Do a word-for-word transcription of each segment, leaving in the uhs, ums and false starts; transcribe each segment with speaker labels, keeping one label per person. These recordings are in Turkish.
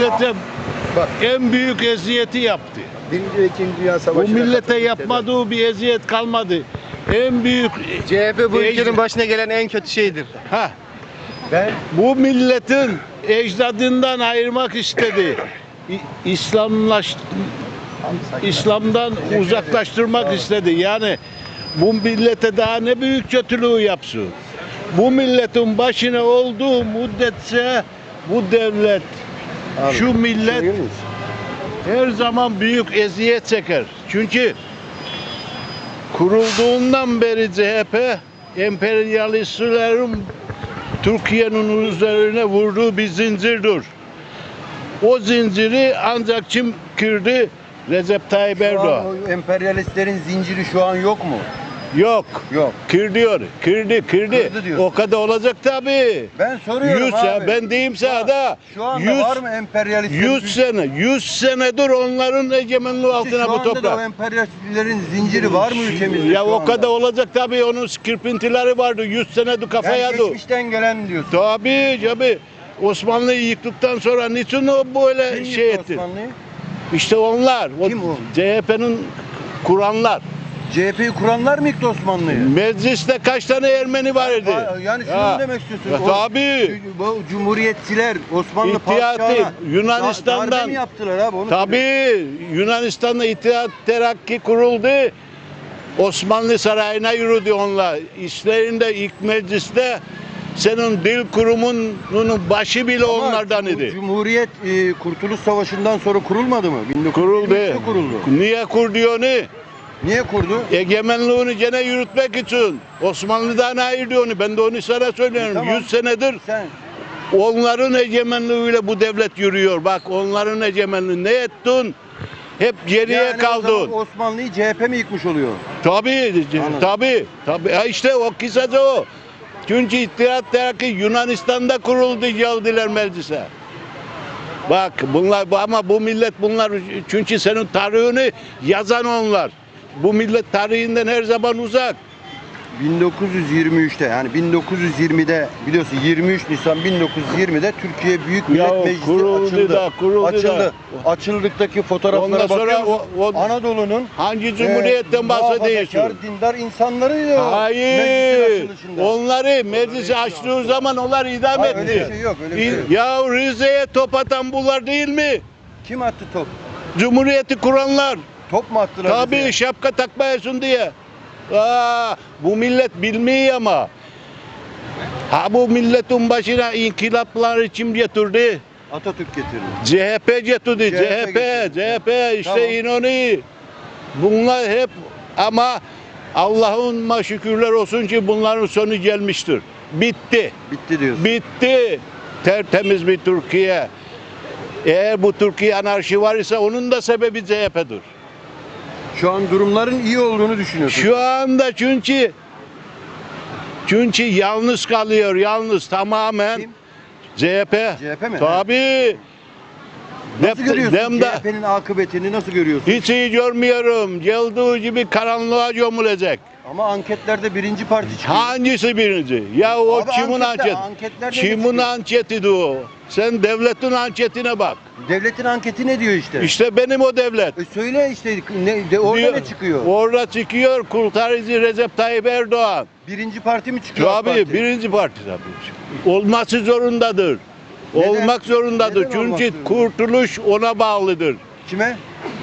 Speaker 1: millete bak en büyük eziyeti yaptı.
Speaker 2: Birinci ve İkinci Dünya Savaşı'na
Speaker 1: Bu millete
Speaker 2: katıldı
Speaker 1: yapmadığı bir eziyet kalmadı. En büyük
Speaker 3: C H P bu
Speaker 1: ecd-
Speaker 3: ülkenin başına gelen en kötü şeydir.
Speaker 1: ha
Speaker 2: Ben
Speaker 1: bu milletin ecdadından ayırmak istedi. İ- İslamlaş İslam'dan uzaklaştırmak istedi. Yani bu millete daha ne büyük kötülüğü yapsın. Bu milletin başına olduğu müddetçe bu devlet,
Speaker 2: Abi,
Speaker 1: şu millet
Speaker 2: Duyuyor musun?
Speaker 1: her zaman büyük eziyet çeker. Çünkü kurulduğundan beri C H P emperyalistlerin Türkiye'nin üzerine vurduğu bir zincirdir. O zinciri ancak kim kırdı? Recep Tayyip
Speaker 2: Şu an
Speaker 1: Erdoğan.
Speaker 2: o emperyalistlerin zinciri şu an yok mu?
Speaker 1: Yok.
Speaker 2: Yok.
Speaker 1: Kır diyor. Kırdı, kırdı.
Speaker 2: Kırdı diyorsun.
Speaker 1: O kadar olacak tabii.
Speaker 2: Ben soruyorum
Speaker 1: Yüz
Speaker 2: abi.
Speaker 1: sene, ben diyeyim sana da
Speaker 2: Şu anda
Speaker 1: yüz,
Speaker 2: var mı emperyalistlerin?
Speaker 1: yüz sene, yüz senedir onların egemenliği altına
Speaker 2: Şu
Speaker 1: bu
Speaker 2: anda da o
Speaker 1: toprak.
Speaker 2: emperyalistlerin zinciri var mı ülkemizde
Speaker 1: Ya
Speaker 2: şu
Speaker 1: o
Speaker 2: anda?
Speaker 1: kadar olacak tabii, onun kırpıntıları vardı. yüz senedir kafaya
Speaker 2: Ben
Speaker 1: dur.
Speaker 2: geçmişten gelen diyorsun.
Speaker 1: Tabii tabii. Osmanlı'yı yıktıktan sonra niçin o böyle
Speaker 2: Kim
Speaker 1: şey
Speaker 2: yıktı
Speaker 1: etti?
Speaker 2: Osmanlı'yı?
Speaker 1: İşte onlar. O
Speaker 2: Kim o?
Speaker 1: C H P'nin kuranlar.
Speaker 2: C H P'yi kuranlar mı yıktı Osmanlı'yı?
Speaker 1: Mecliste kaç tane Ermeni var idi?
Speaker 2: Ha, Yani şunu
Speaker 1: Ya.
Speaker 2: mu demek istiyorsun?
Speaker 1: Ya
Speaker 2: O-
Speaker 1: tabii.
Speaker 2: Bu cumhuriyetçiler Osmanlı
Speaker 1: İttihat
Speaker 2: padişahına
Speaker 1: Yunanistan'dan-
Speaker 2: darbe mi yaptılar abi? Onu söyle.
Speaker 1: Tabii Yunanistan'da İttihat Terakki kuruldu. Osmanlı Sarayı'na yürüdü onlar. İşlerinde ilk mecliste senin dil kurumunun başı bile
Speaker 2: Ama
Speaker 1: onlardan
Speaker 2: bu
Speaker 1: idi.
Speaker 2: Cumhuriyet e, Kurtuluş Savaşı'ndan sonra kurulmadı mı? bin dokuz yüz
Speaker 1: Kuruldu.
Speaker 2: yirmi üçte kuruldu.
Speaker 1: Niye kurdu onu?
Speaker 2: Niye kurdu?
Speaker 1: Egemenliğini gene yürütmek için. Osmanlı'dan ayırdı onu. Ben de onu sana söylüyorum.
Speaker 2: E, tamam.
Speaker 1: yüz senedir
Speaker 2: Sen
Speaker 1: onların egemenliğiyle bu devlet yürüyor. Bak onların egemenliği ne ettin? Hep geriye
Speaker 2: yani o
Speaker 1: kaldın.
Speaker 2: zaman Osmanlı'yı C H P mi yıkmış oluyor?
Speaker 1: Tabii,
Speaker 2: Anladım.
Speaker 1: tabii, tabii. Ha işte o kısaca o. Çünkü İttihat Terakki Yunanistan'da kuruldu, geldiler meclise. Bak bunlar ama bu millet bunlar çünkü senin tarihini yazan onlar. Bu millet tarihinden her zaman uzak.
Speaker 2: bin dokuz yüz yirmi üçte yani bin dokuz yüz yirmide biliyorsun yirmi üç Nisan bin dokuz yüz yirmide Türkiye Büyük Millet
Speaker 1: Ya
Speaker 2: Meclisi
Speaker 1: kuruldu
Speaker 2: açıldı.
Speaker 1: da, kuruldu
Speaker 2: açıldı.
Speaker 1: da.
Speaker 2: Açıldıktaki fotoğraflara
Speaker 1: Ondan sonra
Speaker 2: bakıyor musun?
Speaker 1: o- o-
Speaker 2: Anadolu'nun
Speaker 1: Hangi cumhuriyetten
Speaker 2: e,
Speaker 1: bahsediyorsun?
Speaker 2: muhafazakar, dindar insanlarıydı. o
Speaker 1: Hayır.
Speaker 2: meclisin açılışında.
Speaker 1: Onları meclisi açtığı zaman onlar idam
Speaker 2: Hayır,
Speaker 1: etti.
Speaker 2: öyle bir şey yok, öyle bir şey yok.
Speaker 1: Ya Rize'ye top atan bunlar değil mi?
Speaker 2: Kim attı top?
Speaker 1: Cumhuriyeti kuranlar.
Speaker 2: Top mu attılar
Speaker 1: Tabii
Speaker 2: bize?
Speaker 1: şapka takmayasın diye. Aa, bu millet bilmiyor ama. Ha bu milletin başına inkılapları kim getirdi?
Speaker 2: Atatürk getirdi.
Speaker 1: C H P getirdi.
Speaker 2: C H P
Speaker 1: C H P,
Speaker 2: getirdi.
Speaker 1: C H P işte
Speaker 2: Tamam.
Speaker 1: İnönü. Bunlar hep ama Allah'ıma şükürler olsun ki bunların sonu gelmiştir. Bitti.
Speaker 2: Bitti diyorsun.
Speaker 1: Bitti. Tertemiz bir Türkiye. Eğer bu Türkiye anarşi var ise onun da sebebi C H P'dir.
Speaker 2: Şu an durumların iyi olduğunu düşünüyorsun.
Speaker 1: Şu anda çünkü çünkü yalnız kalıyor, yalnız tamamen.
Speaker 2: Kim?
Speaker 1: C H P.
Speaker 2: C H P mi?
Speaker 1: Tabii.
Speaker 2: Nasıl
Speaker 1: Dep-
Speaker 2: görüyorsun
Speaker 1: demde-
Speaker 2: C H P'nin akıbetini nasıl görüyorsun?
Speaker 1: Hiç iyi görmüyorum. Geldiği gibi karanlığa gömülecek.
Speaker 2: Ama anketlerde birinci parti çıkıyor.
Speaker 1: Hangisi birinci? Ya o
Speaker 2: Abi
Speaker 1: kimin
Speaker 2: anketler-
Speaker 1: anketi?
Speaker 2: anketler ne
Speaker 1: Kimin
Speaker 2: çıkıyor?
Speaker 1: anketiydi o? Sen devletin anketine bak.
Speaker 2: Devletin anketi ne diyor işte?
Speaker 1: İşte benim o devlet.
Speaker 2: E söyle işte ne, de, orada
Speaker 1: Diyor-
Speaker 2: ne çıkıyor?
Speaker 1: Orada çıkıyor kurtarıcı Recep Tayyip Erdoğan.
Speaker 2: Birinci parti mi çıkıyor? AK
Speaker 1: Tabii
Speaker 2: Parti?
Speaker 1: birinci parti tabii. Olması zorundadır.
Speaker 2: Neden?
Speaker 1: Olmak zorundadır.
Speaker 2: Neden olmak
Speaker 1: Çünkü
Speaker 2: zorunda?
Speaker 1: kurtuluş ona bağlıdır.
Speaker 2: Kime?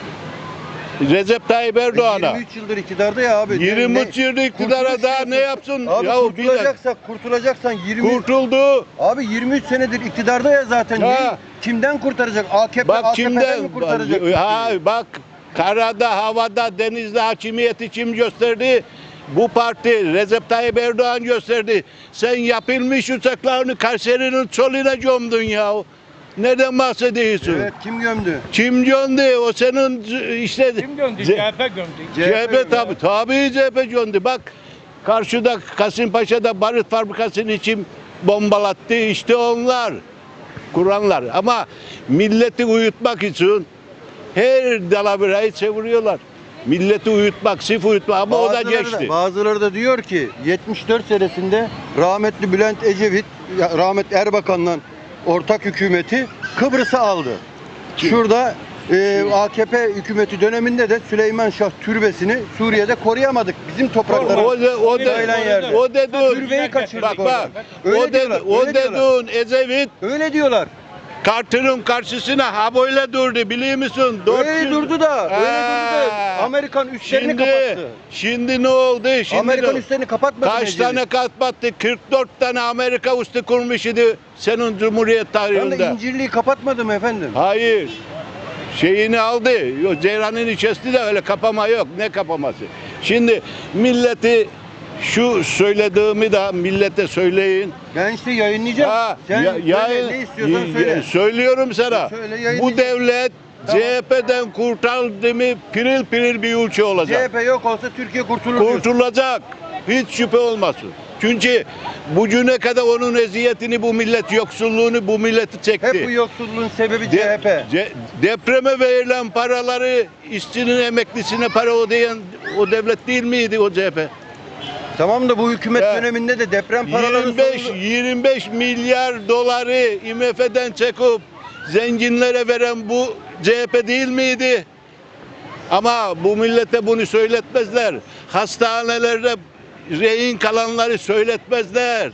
Speaker 1: Recep Tayyip Erdoğan'a.
Speaker 2: yirmi üç yıldır iktidarda ya abi.
Speaker 1: yirmi
Speaker 2: Ne-
Speaker 1: üç yılda iktidara
Speaker 2: Kurtuluş
Speaker 1: daha
Speaker 2: diyorsun.
Speaker 1: ne yapsın?
Speaker 2: Abi
Speaker 1: Ya bir
Speaker 2: kurtulacaksak, kurtulacaksan yirmi
Speaker 1: kurtuldu.
Speaker 2: Abi yirmi üç senedir iktidarda ya zaten.
Speaker 1: Ha.
Speaker 2: Ne- Kimden kurtaracak? A K P,
Speaker 1: Bak
Speaker 2: A K P'den
Speaker 1: kimden?
Speaker 2: mi kurtaracak?
Speaker 1: Ha, bak karada, havada, denizde hakimiyeti kim gösterdi? Bu parti Recep Tayyip Erdoğan gösterdi. Sen yapılmış uçaklarını Kayseri'nin çölüne gömdün ya. Nereden bahsediyorsun?
Speaker 2: Evet, kim gömdü?
Speaker 1: Kim gömdü? O senin işte
Speaker 4: Kim gömdü?
Speaker 1: C-
Speaker 4: C H P gömdü.
Speaker 1: C H P tabii, tabii C H P gömdü. Bak karşıda Kasımpaşa'da barut fabrikasını için bombalattı. İşte onlar kuranlar. Ama milleti uyutmak için her dalaverayı çeviriyorlar. Milleti uyutmak, sif uyutmak ama o da
Speaker 2: Bazıları
Speaker 1: geçti.
Speaker 2: bazıları da diyor ki yetmiş dört senesinde rahmetli Bülent Ecevit, ya rahmetli Erbakan'la ortak hükümeti Kıbrıs'ı aldı. Şurada e, A K P hükümeti döneminde de Süleyman Şah türbesini Suriye'de koruyamadık. Bizim
Speaker 1: O,
Speaker 2: topraklarımız.
Speaker 1: de, o, de,
Speaker 2: Sayılan yerde.
Speaker 1: o dediğin,
Speaker 2: Türbeyi kaçırdık
Speaker 1: bak
Speaker 2: orada.
Speaker 1: bak,
Speaker 2: Öyle
Speaker 1: o, de,
Speaker 2: diyorlar,
Speaker 1: o
Speaker 2: öyle diyorlar.
Speaker 1: dediğin Ecevit
Speaker 2: Öyle diyorlar.
Speaker 1: Carter'ın karşısına ha böyle durdu biliyor musun?
Speaker 2: Öyle durdu da. Öyle durdu da.
Speaker 1: Ha.
Speaker 2: Amerikan üslerini
Speaker 1: Şimdi,
Speaker 2: kapattı.
Speaker 1: şimdi ne oldu? Şimdi
Speaker 2: Amerikan
Speaker 1: ne-
Speaker 2: üslerini kapatmadı.
Speaker 1: Kaç
Speaker 2: Ecevit.
Speaker 1: tane kapattı? kırk dört tane Amerika üstü kurmuş idi senin Cumhuriyet
Speaker 2: Ben de
Speaker 1: tarihinde.
Speaker 2: İncirliği kapatmadım efendim.
Speaker 1: Hayır. Şeyini aldı. Yok, Ceyran'ın içerisinde de öyle kapama yok. Ne kapaması? Şimdi milleti şu söylediğimi de millete söyleyin.
Speaker 2: Ben işte yayınlayacağım.
Speaker 1: Ha,
Speaker 2: Sen
Speaker 1: ya-
Speaker 2: söyle,
Speaker 1: yayın-
Speaker 2: ne istiyorsan
Speaker 1: y-
Speaker 2: söyle.
Speaker 1: y- Söylüyorum sana.
Speaker 2: Söyle,
Speaker 1: Bu
Speaker 2: yayınlayacağım.
Speaker 1: devlet
Speaker 2: Tamam.
Speaker 1: C H P'den kurtardı mı piril piril bir ülke
Speaker 2: C
Speaker 1: olacak.
Speaker 2: H P yok olsa Türkiye kurtulur diyorsun.
Speaker 1: Kurtulacak. Hiç şüphe olmasın. Çünkü bugüne kadar onun eziyetini bu millet, yoksulluğunu bu milleti çekti.
Speaker 2: Hep bu yoksulluğun sebebi
Speaker 1: De-
Speaker 2: C H P.
Speaker 1: ce- depreme verilen paraları işçinin emeklisine para ödeyen o devlet değil miydi o C H P?
Speaker 2: Tamam da bu hükümet
Speaker 1: Ya,
Speaker 2: döneminde de deprem paraları
Speaker 1: yirmi beş yirmi beş milyar doları I M F'den çekip zenginlere veren bu C H P değil miydi? Ama bu millete bunu söyletmezler. Hastanelerde rehin kalanları söyletmezler.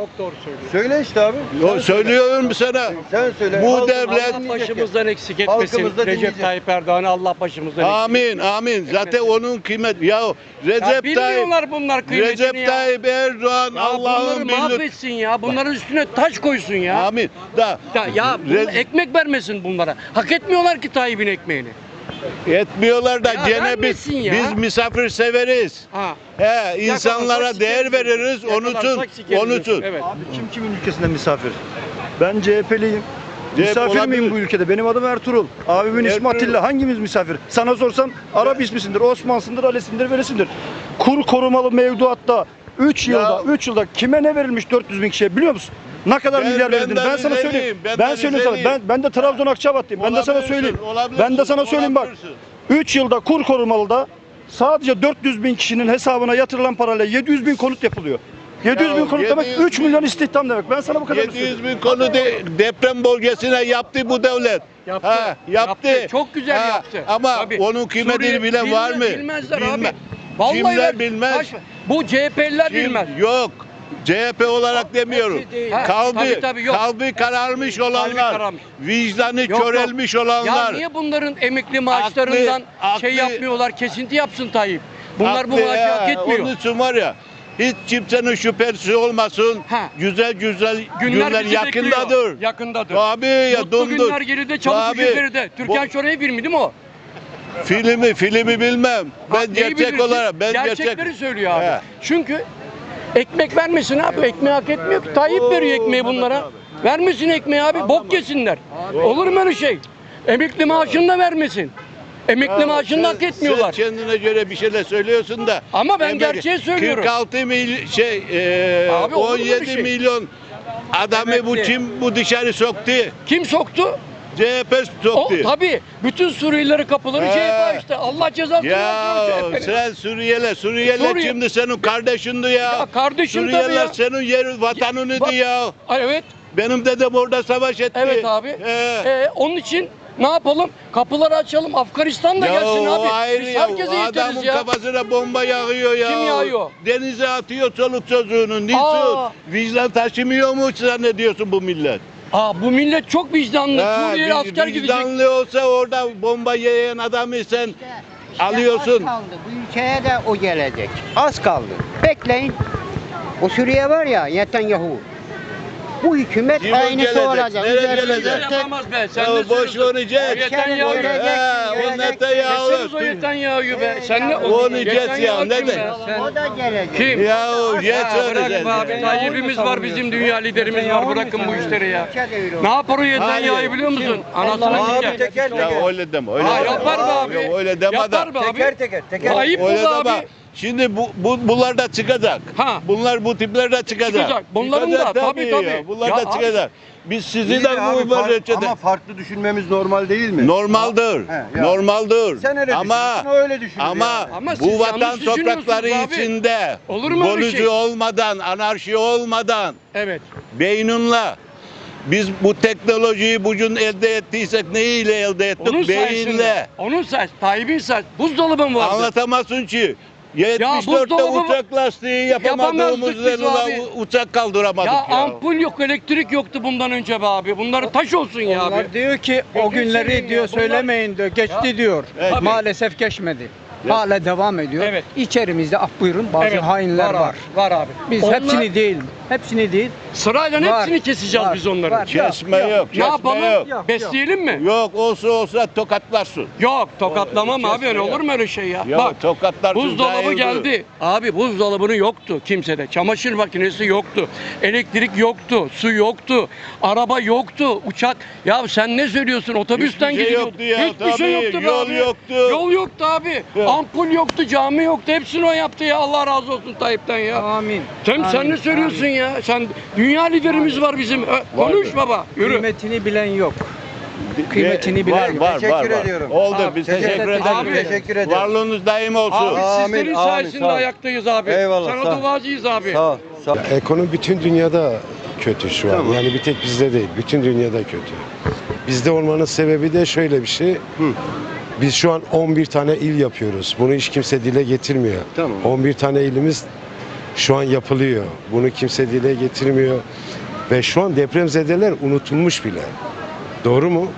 Speaker 2: Söyle işte abi.
Speaker 1: Yo,
Speaker 2: Sen
Speaker 1: söylüyorum sana.
Speaker 2: söyle. Sen söyle.
Speaker 1: Bu
Speaker 2: Halkımız
Speaker 1: devlet-
Speaker 2: dinleyecek
Speaker 4: Allah
Speaker 2: ya.
Speaker 4: başımızdan eksik etmesin.
Speaker 2: Halkımız da
Speaker 4: Recep
Speaker 2: dinleyecek.
Speaker 4: Tayyip Erdoğan'ı Allah başımızdan eksik
Speaker 1: Amin, amin. Zaten onun kıymet. Ya
Speaker 4: Ya
Speaker 1: Recep Tayyip,
Speaker 4: bilmiyorlar bunlar kıymetini
Speaker 1: Recep
Speaker 4: ya.
Speaker 1: Tayyip Erdoğan
Speaker 4: Ya
Speaker 1: Allah'ın
Speaker 4: bunları
Speaker 1: birlik.
Speaker 4: mahvetsin ya. Bunların üstüne taş koysun ya.
Speaker 1: Amin. Da,
Speaker 4: Ya, ya bunu
Speaker 1: Re-
Speaker 4: ekmek vermesin bunlara. Hak etmiyorlar ki Tayyip'in ekmeğini.
Speaker 1: etmiyorlar da
Speaker 4: Ya
Speaker 1: gene biz
Speaker 4: vermesin ya.
Speaker 1: biz misafir severiz.
Speaker 4: Ha.
Speaker 1: He, insanlara
Speaker 4: Yakalarsak
Speaker 1: değer
Speaker 4: sikeriz.
Speaker 1: veririz. Onun için,
Speaker 4: Yakalarsak sikeriz.
Speaker 1: onun için.
Speaker 4: Evet.
Speaker 5: Abi kim kimin ülkesinde misafir? Ben C H P'liyim.
Speaker 1: C H P
Speaker 5: Misafir
Speaker 1: olabilir.
Speaker 5: miyim bu ülkede? Benim adım Ertuğrul. Abimin ismi
Speaker 1: Ertuğrul.
Speaker 5: Atilla. Hangimiz misafir? Sana sorsam Arap ismisindir, Osman'sındır, Ali'sindir, Velisindir. Kur korumalı mevduatta üç yılda, üç yılda kime ne verilmiş dört yüz bin kişiye biliyor musun? Ne kadar
Speaker 1: Ben-
Speaker 5: milyar
Speaker 1: ben
Speaker 5: verildiğini
Speaker 1: de
Speaker 5: ben sana
Speaker 1: Rizeliyim,
Speaker 5: söyleyeyim.
Speaker 1: ben
Speaker 5: Ben,
Speaker 1: de
Speaker 5: söyleyeyim sana.
Speaker 1: Rizeliyim.
Speaker 5: Ben, ben de Trabzon Akçabat'tayım. Ben de sana
Speaker 1: Olabilirsin,
Speaker 5: söyleyeyim.
Speaker 1: olabilirsin,
Speaker 5: Ben de sana söyleyeyim bak.
Speaker 1: olabilirsin.
Speaker 5: üç yılda kur korumalıda sadece dört yüz bin kişinin hesabına yatırılan parayla yedi yüz bin konut yapılıyor. yedi yüz
Speaker 1: Ya,
Speaker 5: bin konut demek
Speaker 1: yedi yüz
Speaker 5: üç milyon istihdam demek. Ben sana bu kadar
Speaker 1: yedi yüz bin konu de, deprem bölgesine yaptı bu devlet.
Speaker 4: Yaptı.
Speaker 1: Ha, yaptı.
Speaker 4: Yaptı. Çok güzel
Speaker 1: Ha,
Speaker 4: yaptı.
Speaker 1: Ama
Speaker 4: Tabii.
Speaker 1: onun kıymetini
Speaker 4: Suriye
Speaker 1: bilen var mı?
Speaker 4: bilmez- Bilmezler
Speaker 1: Bilme-
Speaker 4: abi. Vallahi
Speaker 1: Kimler
Speaker 4: ver-
Speaker 1: bilmez?
Speaker 4: Baş- Bu C H P'liler
Speaker 1: Kim-
Speaker 4: bilmez.
Speaker 1: Yok. C H P olarak demiyorum.
Speaker 4: Ha,
Speaker 1: Kalbi,
Speaker 4: tabii, tabii, yok.
Speaker 1: kalbi kararmış olanlar,
Speaker 4: kararmış.
Speaker 1: vicdanı
Speaker 4: Yok, yok.
Speaker 1: körelmiş
Speaker 4: Ya
Speaker 1: olanlar.
Speaker 4: niye bunların emekli maaşlarından
Speaker 1: aklı-
Speaker 4: şey yapmıyorlar, kesinti yapsın Tayyip? Bunlar bu
Speaker 1: Haklı
Speaker 4: maaşı
Speaker 1: ya,
Speaker 4: hak etmiyor.
Speaker 1: Onun için var ya, hiç kimsenin şüphesi olmasın.
Speaker 4: Ha.
Speaker 1: Güzel güzel
Speaker 4: Günler,
Speaker 1: günler
Speaker 4: bizi
Speaker 1: yakındadır.
Speaker 4: bekliyor. Yakındadır.
Speaker 1: Tabii ya,
Speaker 4: Mutlu
Speaker 1: dondur.
Speaker 4: günler geride, çabuk
Speaker 1: Tabii.
Speaker 4: gücü geride. Türkan
Speaker 1: Bu-
Speaker 4: Şoray'ı filmi değil mi o?
Speaker 1: Filmi, filmi bilmem.
Speaker 4: Ha,
Speaker 1: Ben
Speaker 4: neyi
Speaker 1: gerçek
Speaker 4: bilirsin?
Speaker 1: olarak, ben
Speaker 4: Gerçekleri
Speaker 1: gerçek.
Speaker 4: söylüyor abi.
Speaker 1: He.
Speaker 4: Çünkü ekmek vermesin abi. Ekmeği hak etmiyor ki. Tayyip veriyor ekmeği bunlara. Vermesin ekmeği abi. Bok yesinler. Olur mu öyle şey? Emekli maaşını da vermesin. Emekli
Speaker 1: Ya,
Speaker 4: maaşını da hak
Speaker 1: sen-
Speaker 4: etmiyorlar.
Speaker 1: Sen kendine göre bir şeyler söylüyorsun da.
Speaker 4: Ama ben
Speaker 1: Emek-
Speaker 4: gerçeği söylüyorum.
Speaker 1: kırk altı mil şey e,
Speaker 4: Abi olur mu
Speaker 1: on yedi
Speaker 4: bir şey?
Speaker 1: milyon adamı bu
Speaker 4: Emekli.
Speaker 1: kim bu dışarı soktu?
Speaker 4: Kim soktu?
Speaker 1: C H P
Speaker 4: O
Speaker 1: soktu.
Speaker 4: tabii. Bütün Suriyelileri kapıları
Speaker 1: He.
Speaker 4: C H P açtı. Allah cezasını
Speaker 1: Ya
Speaker 4: versin C H P'nin.
Speaker 1: sen Suriyeli, Suriyeli
Speaker 4: Suriye-
Speaker 1: şimdi senin kardeşindi ya.
Speaker 4: Ya kardeşim tabii
Speaker 1: Suriyeliler
Speaker 4: ya.
Speaker 1: senin yer vatanınıydı
Speaker 4: Bak-
Speaker 1: ya.
Speaker 4: Ay, evet.
Speaker 1: Benim dedem orada savaş etti.
Speaker 4: Evet abi.
Speaker 1: He.
Speaker 4: Ee, onun için ne yapalım? Kapıları açalım. Afganistan da
Speaker 1: Ya
Speaker 4: gelsin
Speaker 1: o
Speaker 4: abi.
Speaker 1: ayrı
Speaker 4: Biz
Speaker 1: ya.
Speaker 4: herkese
Speaker 1: O
Speaker 4: yeteriz
Speaker 1: adamın
Speaker 4: ya.
Speaker 1: kafasına bomba yağıyor ya.
Speaker 4: Kim yağıyor?
Speaker 1: Denize atıyor çoluk çocuğunu. Niçin?
Speaker 4: Aa.
Speaker 1: Vicdan taşımıyor mu zannediyorsun bu millet?
Speaker 4: Aa, bu millet çok vicdanlı.
Speaker 1: Ha,
Speaker 4: Suriyeli
Speaker 1: vi-
Speaker 4: asker gidecek.
Speaker 1: Vicdanlı olsa orada bomba yiyen adamı sen alıyorsun.
Speaker 6: Az kaldı. Bu ülkeye de o gelecek. Az kaldı. Bekleyin. O Suriye var ya Netanyahu. Bu hükümet
Speaker 1: Kim o
Speaker 6: aynısı
Speaker 1: gelecek?
Speaker 6: olacak.
Speaker 1: Nereye
Speaker 6: Üzerinde
Speaker 1: gelecek?
Speaker 6: tek-
Speaker 4: Yapamaz be. Sen
Speaker 1: Ya
Speaker 4: ne
Speaker 1: boş
Speaker 4: söylüyorsun?
Speaker 1: verecek.
Speaker 4: Netanyahu.
Speaker 6: Görecek,
Speaker 1: Ha, o
Speaker 6: görecek.
Speaker 1: Netanyahu.
Speaker 4: Deseniz o Netanyahu'yu be. Sen ne?
Speaker 1: O Netanyahu
Speaker 4: Netanyahu
Speaker 1: ne
Speaker 4: kim
Speaker 1: de?
Speaker 4: be? Sen-
Speaker 6: O da gelecek.
Speaker 4: Kim?
Speaker 1: Ya geç
Speaker 4: Ya bırak
Speaker 1: öyle.
Speaker 4: be abi. Tayyip'imiz var, bizim dünya liderimiz var. Bırakın bu işleri ya. Ne yapar o Netanyahu'yu biliyor musun? Anasını
Speaker 2: Abi
Speaker 4: sikecek.
Speaker 2: teker
Speaker 1: Ya
Speaker 2: teker.
Speaker 1: öyle deme. Öyle
Speaker 4: Ha,
Speaker 1: deme.
Speaker 4: yapar be abi.
Speaker 1: Ya öyle deme
Speaker 4: Yapar
Speaker 1: da.
Speaker 4: be abi.
Speaker 2: Teker teker teker.
Speaker 4: Ayıp
Speaker 1: Öyle
Speaker 4: oldu
Speaker 1: deme.
Speaker 4: abi.
Speaker 1: Şimdi bu, bu bunlar da çıkacak.
Speaker 4: Ha.
Speaker 1: Bunlar bu tipler de çıkacak.
Speaker 4: Çıkacak. Bunların da, tabii,
Speaker 1: ya.
Speaker 4: tabii.
Speaker 1: Bunlar
Speaker 4: Ya
Speaker 1: da
Speaker 4: abi.
Speaker 1: çıkacak. Biz sizi
Speaker 2: İyi
Speaker 1: de
Speaker 2: de abi,
Speaker 1: bu
Speaker 2: fark-
Speaker 1: böyle
Speaker 2: ama farklı düşünmemiz normal değil mi?
Speaker 1: normaldir.
Speaker 2: He, ya.
Speaker 1: Normaldir.
Speaker 2: Sen öyle
Speaker 1: ama
Speaker 2: düşünüyorsun, o öyle düşünüyor
Speaker 1: ama,
Speaker 2: yani.
Speaker 4: Ama siz
Speaker 1: bu
Speaker 4: yanlış
Speaker 1: vatan
Speaker 4: düşünüyorsunuz
Speaker 1: toprakları
Speaker 4: abi.
Speaker 1: içinde
Speaker 4: Olur mu öyle
Speaker 1: bölücü
Speaker 4: şey?
Speaker 1: olmadan, anarşi olmadan
Speaker 4: Evet.
Speaker 1: beynunla Biz bu teknolojiyi bugün elde ettiysek neyle elde ettik?
Speaker 4: Onun sayesinde.
Speaker 1: Beyinle.
Speaker 4: Onun sayesinde. Tayyip'in sayesinde. Buzdolabı mı vardı?
Speaker 1: Anlatamazsın ki. yetmiş dörtte
Speaker 4: buzdolabı-
Speaker 1: uçak lastiği yapamadığımız
Speaker 4: Yapamazdık biz
Speaker 1: ulan
Speaker 4: abi.
Speaker 1: uçak kaldıramadık
Speaker 4: Ya
Speaker 1: ya.
Speaker 4: ampul yok, elektrik yoktu bundan önce be abi. Bunları taş olsun ya abi.
Speaker 7: Onlar diyor ki o
Speaker 4: Gözünü seveyim
Speaker 7: günleri
Speaker 4: ya,
Speaker 7: diyor
Speaker 4: bunlar-
Speaker 7: söylemeyin diyor. Geçti
Speaker 4: Ya,
Speaker 7: diyor.
Speaker 1: evet.
Speaker 7: Maalesef geçmedi.
Speaker 1: Ya.
Speaker 7: Hala devam ediyor.
Speaker 4: Evet.
Speaker 7: İçerimizde af buyurun bazı
Speaker 4: Evet,
Speaker 7: hainler var.
Speaker 4: abi, Var abi.
Speaker 7: Biz
Speaker 4: Onlar-
Speaker 7: hepsini değil. Hepsini değil.
Speaker 4: Sırayla
Speaker 7: Var,
Speaker 4: hepsini keseceğiz
Speaker 7: var,
Speaker 4: biz onları.
Speaker 7: var.
Speaker 1: Kesme yok,
Speaker 4: Ne
Speaker 1: kesme
Speaker 4: yapalım?
Speaker 1: yok.
Speaker 7: Yok.
Speaker 4: Besleyelim mi?
Speaker 1: Yok olsa olsa tokatlarsın.
Speaker 4: Yok, tokatlamam
Speaker 1: O-
Speaker 4: abi.
Speaker 1: kesme
Speaker 4: Öyle
Speaker 1: yok.
Speaker 4: olur mu öyle şey ya?
Speaker 1: Ya
Speaker 4: Bak,
Speaker 1: tokatlarsın.
Speaker 4: buzdolabı
Speaker 1: zahirdir.
Speaker 4: geldi. Abi buzdolabının yoktu kimsede. Çamaşır makinesi yoktu. Elektrik yoktu. Su yoktu. Araba yoktu. Uçak. Ya sen ne söylüyorsun? Otobüsten
Speaker 1: Hiçbir şey
Speaker 4: gidiyorduk.
Speaker 1: yoktu ya,
Speaker 4: Hiçbir şey
Speaker 1: tabii.
Speaker 4: yoktu be
Speaker 1: Yol
Speaker 4: abi.
Speaker 1: yoktu.
Speaker 4: Yol yoktu abi.
Speaker 1: Yok.
Speaker 4: Ampul yoktu, cami yoktu. Hepsini o yaptı ya. Allah razı olsun Tayyip'ten ya.
Speaker 7: Amin.
Speaker 4: Sen, sen
Speaker 7: Amin,
Speaker 4: ne söylüyorsun
Speaker 7: amin.
Speaker 4: ya? Sen dünya liderimiz var bizim. Ö, Konuş baba. Yürü.
Speaker 7: Kıymetini bilen yok.
Speaker 1: Ve-
Speaker 7: Kıymetini bilen
Speaker 1: var,
Speaker 7: yok.
Speaker 1: var,
Speaker 2: Teşekkür
Speaker 1: var, var.
Speaker 2: ediyorum.
Speaker 1: Oldu
Speaker 4: Abi,
Speaker 1: biz
Speaker 7: teşekkür
Speaker 1: teşekkür
Speaker 7: ederim.
Speaker 1: ederiz.
Speaker 4: Abi,
Speaker 2: teşekkür ederim.
Speaker 1: Varlığınız daim olsun.
Speaker 4: Abi
Speaker 2: Amin,
Speaker 4: sizlerin
Speaker 2: amin,
Speaker 4: sayesinde
Speaker 2: sağ ol.
Speaker 4: ayaktayız abi.
Speaker 2: Eyvallah,
Speaker 4: Sana
Speaker 2: sağ ol.
Speaker 4: duacıyız abi.
Speaker 2: Sağ ol. Sağ ol.
Speaker 8: Ekonomi bütün dünyada kötü şu an.
Speaker 2: Tamam.
Speaker 8: Yani bir tek bizde değil. Bütün dünyada kötü. Bizde olmanın sebebi de şöyle bir şey. Biz şu an on bir tane il yapıyoruz. Bunu hiç kimse dile getirmiyor.
Speaker 2: Tamam.
Speaker 8: on bir tane ilimiz şu an yapılıyor. Bunu kimse dile getirmiyor. Ve şu an depremzedeler unutulmuş bile. Doğru mu?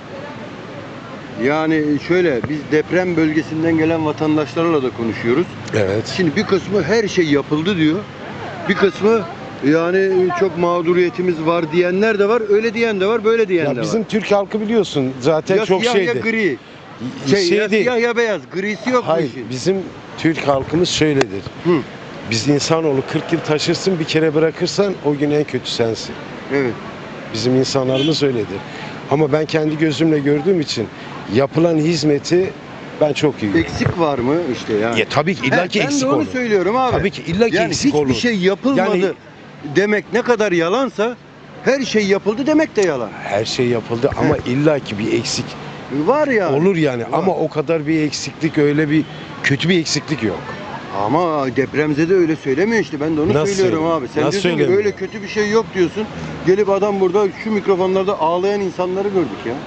Speaker 2: Yani şöyle biz deprem bölgesinden gelen vatandaşlarla da konuşuyoruz.
Speaker 8: Evet.
Speaker 2: Şimdi bir kısmı her şey yapıldı diyor. Bir kısmı yani çok mağduriyetimiz var diyenler de var. Öyle diyen de var, böyle diyen
Speaker 8: Ya
Speaker 2: de
Speaker 8: bizim
Speaker 2: var.
Speaker 8: Türk halkı biliyorsun zaten
Speaker 2: Ya
Speaker 8: çok
Speaker 2: siyah ya
Speaker 8: şeydi.
Speaker 2: gri. Şey, ya
Speaker 8: şeydi.
Speaker 2: siyah ya beyaz. Grisi yok bu
Speaker 8: Hayır,
Speaker 2: işin.
Speaker 8: bizim Türk halkımız şöyledir.
Speaker 2: Hı.
Speaker 8: Biz insanoğlu kırk yıl taşırsın, bir kere bırakırsan o gün en kötü sensin.
Speaker 2: Evet.
Speaker 8: Bizim insanlarımız öyledir. Ama ben kendi gözümle gördüğüm için yapılan hizmeti ben çok iyi.
Speaker 2: Eksik var mı işte yani?
Speaker 8: Ya, tabii ki
Speaker 2: He,
Speaker 8: illaki
Speaker 2: ben
Speaker 8: eksik
Speaker 2: de onu
Speaker 8: olur.
Speaker 2: söylüyorum abi.
Speaker 8: Tabii ki illaki
Speaker 2: yani
Speaker 8: eksik
Speaker 2: hiçbir
Speaker 8: olur.
Speaker 2: şey yapılmadı
Speaker 8: Yani-
Speaker 2: demek ne kadar yalansa her şey yapıldı demek de yalan.
Speaker 8: Her şey yapıldı ama illaki bir eksik
Speaker 2: Var ya.
Speaker 8: olur yani.
Speaker 2: Var.
Speaker 8: Ama o kadar bir eksiklik, öyle bir kötü bir eksiklik yok.
Speaker 2: Ama depremzede öyle söylemiyor işte. Ben de onu
Speaker 8: Nasıl
Speaker 2: söylüyorum
Speaker 8: söylemiyor?
Speaker 2: abi. Sen
Speaker 8: Nasıl
Speaker 2: diyorsun ki
Speaker 8: söylemiyor?
Speaker 2: öyle kötü bir şey yok diyorsun. Gelip adam burada şu mikrofonlarda ağlayan insanları gördük ya.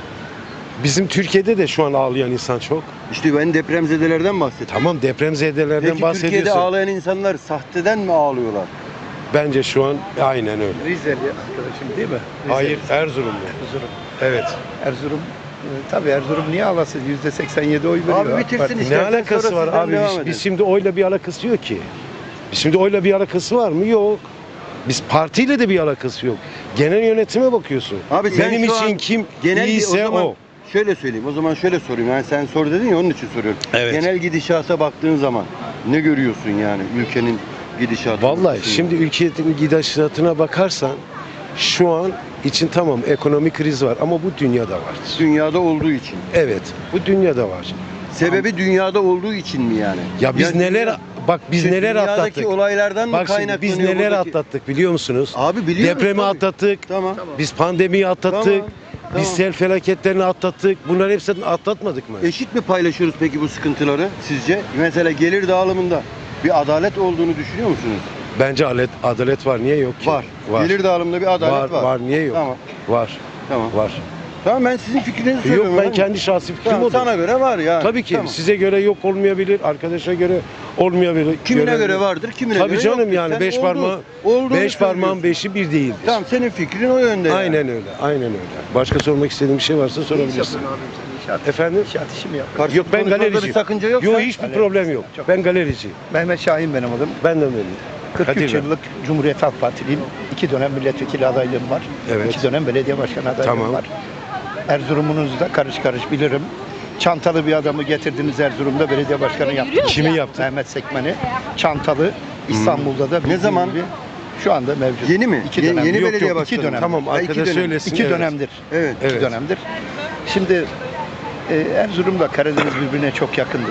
Speaker 8: Bizim Türkiye'de de şu an ağlayan insan çok.
Speaker 2: İşte ben depremzedelerden bahsettim.
Speaker 8: Tamam, depremzedelerden
Speaker 2: Peki
Speaker 8: bahsediyorsun.
Speaker 2: Türkiye'de ağlayan insanlar sahteden mi ağlıyorlar?
Speaker 8: Bence şu an aynen öyle.
Speaker 9: Rizeli arkadaşım değil mi? Rizeli.
Speaker 8: Hayır, Erzurumlu.
Speaker 9: Erzurum.
Speaker 8: Evet.
Speaker 9: Erzurum. e, Tabii Erzurum niye ağlasın? yüzde seksen yedi oy veriyor.
Speaker 2: Abi
Speaker 9: AK
Speaker 2: bitirsin
Speaker 9: Parti.
Speaker 8: Ne
Speaker 2: istersen
Speaker 8: alakası
Speaker 2: sonra
Speaker 8: var
Speaker 2: sizden
Speaker 8: abi?
Speaker 2: devam
Speaker 8: Biz,
Speaker 2: edelim.
Speaker 8: biz şimdi oyla bir alakası yok ki. Biz şimdi oyla bir alakası var mı? Yok. Biz partiyle de bir alakası yok. Genel yönetime bakıyorsun.
Speaker 2: Abi sen
Speaker 8: Benim
Speaker 2: şu
Speaker 8: için
Speaker 2: an
Speaker 8: kim
Speaker 2: genel
Speaker 8: iyiyse
Speaker 2: o. Zaman,
Speaker 8: o.
Speaker 2: Şöyle söyleyeyim. O zaman şöyle sorayım. Yani sen sor dedin ya onun için soruyorum.
Speaker 8: Evet.
Speaker 2: Genel gidişata baktığın zaman ne görüyorsun yani ülkenin gidişatı?
Speaker 8: Vallahi şimdi ülkenin gidişatına bakarsan şu an için tamam ekonomik kriz var ama bu dünyada var.
Speaker 2: dünyada olduğu için.
Speaker 8: Evet, bu dünyada var.
Speaker 2: Sebebi dünyada olduğu için mi yani?
Speaker 8: Ya biz
Speaker 2: Yani
Speaker 8: neler
Speaker 2: dünya-
Speaker 8: bak biz
Speaker 2: Şey,
Speaker 8: neler
Speaker 2: dünyadaki
Speaker 8: atlattık.
Speaker 2: olaylardan mı
Speaker 8: Bak şimdi
Speaker 2: kaynaklanıyor?
Speaker 8: biz neler
Speaker 2: buradaki-
Speaker 8: atlattık biliyor musunuz?
Speaker 2: Abi biliyoruz.
Speaker 8: Depremi
Speaker 2: tabii.
Speaker 8: atlattık.
Speaker 2: Tamam.
Speaker 8: Biz pandemiyi atlattık.
Speaker 2: Tamam,
Speaker 8: Biz
Speaker 2: tamam.
Speaker 8: sel felaketlerini atlattık. Bunları hepsini atlatmadık mı?
Speaker 2: Eşit mi paylaşıyoruz peki bu sıkıntıları sizce? Mesela gelir dağılımında bir adalet olduğunu düşünüyor musunuz?
Speaker 8: Bence adalet, adalet var. Niye yok ki?
Speaker 2: Var.
Speaker 8: Var.
Speaker 2: Gelir dağılımında bir adalet var.
Speaker 8: var. Var. Niye yok?
Speaker 2: Tamam.
Speaker 8: Var.
Speaker 2: Tamam.
Speaker 8: Var.
Speaker 2: Tamam ben sizin fikrinizi
Speaker 8: Yok
Speaker 2: söylüyorum.
Speaker 8: ben
Speaker 2: yani.
Speaker 8: kendi şahsi fikrim
Speaker 2: Tamam,
Speaker 8: odur.
Speaker 2: sana göre var yani.
Speaker 8: Tabii ki
Speaker 2: Tamam.
Speaker 8: size göre yok olmayabilir, arkadaşa göre olmayabilir.
Speaker 2: Kimine göre vardır, kimine
Speaker 8: Tabii
Speaker 2: göre
Speaker 8: canım
Speaker 2: yoktur.
Speaker 8: yani
Speaker 2: Sen
Speaker 8: beş
Speaker 2: oldu-
Speaker 8: parmağı
Speaker 2: olduğunu
Speaker 8: beş parmağın
Speaker 2: söylüyorsun.
Speaker 8: beşi bir değildir.
Speaker 2: Tamam senin fikrin o yönde. yani.
Speaker 8: Aynen öyle. Aynen öyle. Başka sormak istediğin bir şey varsa
Speaker 9: Ne iş
Speaker 8: sorabilirsin.
Speaker 9: yapıyorsun abim sen? İnşaat,
Speaker 8: Efendim?
Speaker 9: İnşaat işi mi yapıyorsun?
Speaker 2: Karşı
Speaker 8: Yok ben
Speaker 2: konuşmada
Speaker 8: galerici.
Speaker 2: bir sakınca yoksa.
Speaker 8: Yok hiçbir
Speaker 9: Galeri.
Speaker 8: problem yok.
Speaker 9: Çok-
Speaker 8: Ben galerici.
Speaker 9: Mehmet Şahin benim adım.
Speaker 8: Ben de öyleyim.
Speaker 9: kırk üç
Speaker 8: Kadir Bey.
Speaker 9: yıllık Cumhuriyet Halk Partiliyim. İki dönem milletvekili adaylığım var.
Speaker 8: Evet.
Speaker 9: İki dönem belediye başkanı adaylığım
Speaker 8: Tamam.
Speaker 9: var. Erzurum'unuzu da karış karış bilirim. Çantalı bir adamı getirdiniz Erzurum'da belediye başkanı yaptınız.
Speaker 8: Kimi yaptın?
Speaker 9: Mehmet Sekmen'i. Çantalı. İstanbul'da da bildiğin
Speaker 2: zaman?
Speaker 9: gibi Şu anda mevcut.
Speaker 2: Yeni mi?
Speaker 9: İki
Speaker 2: Ye-
Speaker 9: dönem.
Speaker 2: yeni
Speaker 9: Yok,
Speaker 2: belediye
Speaker 9: yok,
Speaker 2: başkanı.
Speaker 9: iki dönem.
Speaker 8: Tamam
Speaker 2: Ha, iki
Speaker 8: arkadaş
Speaker 2: dönem.
Speaker 8: söylesin.
Speaker 9: İki
Speaker 8: evet.
Speaker 9: dönemdir.
Speaker 2: Evet.
Speaker 9: İki
Speaker 8: Evet.
Speaker 9: dönemdir. Şimdi e, Erzurum'la Karadeniz birbirine çok yakındır.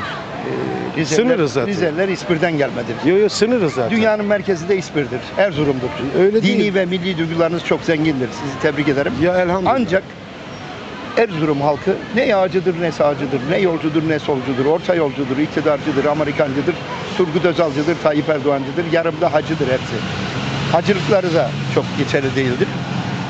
Speaker 9: E, Rizeliler,
Speaker 8: Sınırız zaten.
Speaker 9: Rizeliler İspir'den gelmedir.
Speaker 8: Yok yok sınırız zaten.
Speaker 9: Dünyanın merkezi de İspir'dir. Erzurum'dur.
Speaker 8: Öyle
Speaker 9: Dini
Speaker 8: değil.
Speaker 9: ve milli duygularınız çok zengindir. Sizi tebrik ederim.
Speaker 8: Ya elhamdülillah.
Speaker 9: Ancak Erzurum halkı ne yağcıdır ne sağcıdır, ne yolcudur ne solcudur, orta yolcudur, iktidarcıdır, Amerikancıdır, Turgut Özal'cıdır, Tayyip Erdoğan'cıdır, yarımda hacıdır hepsi. Hacılıkları da çok geçerli değildir.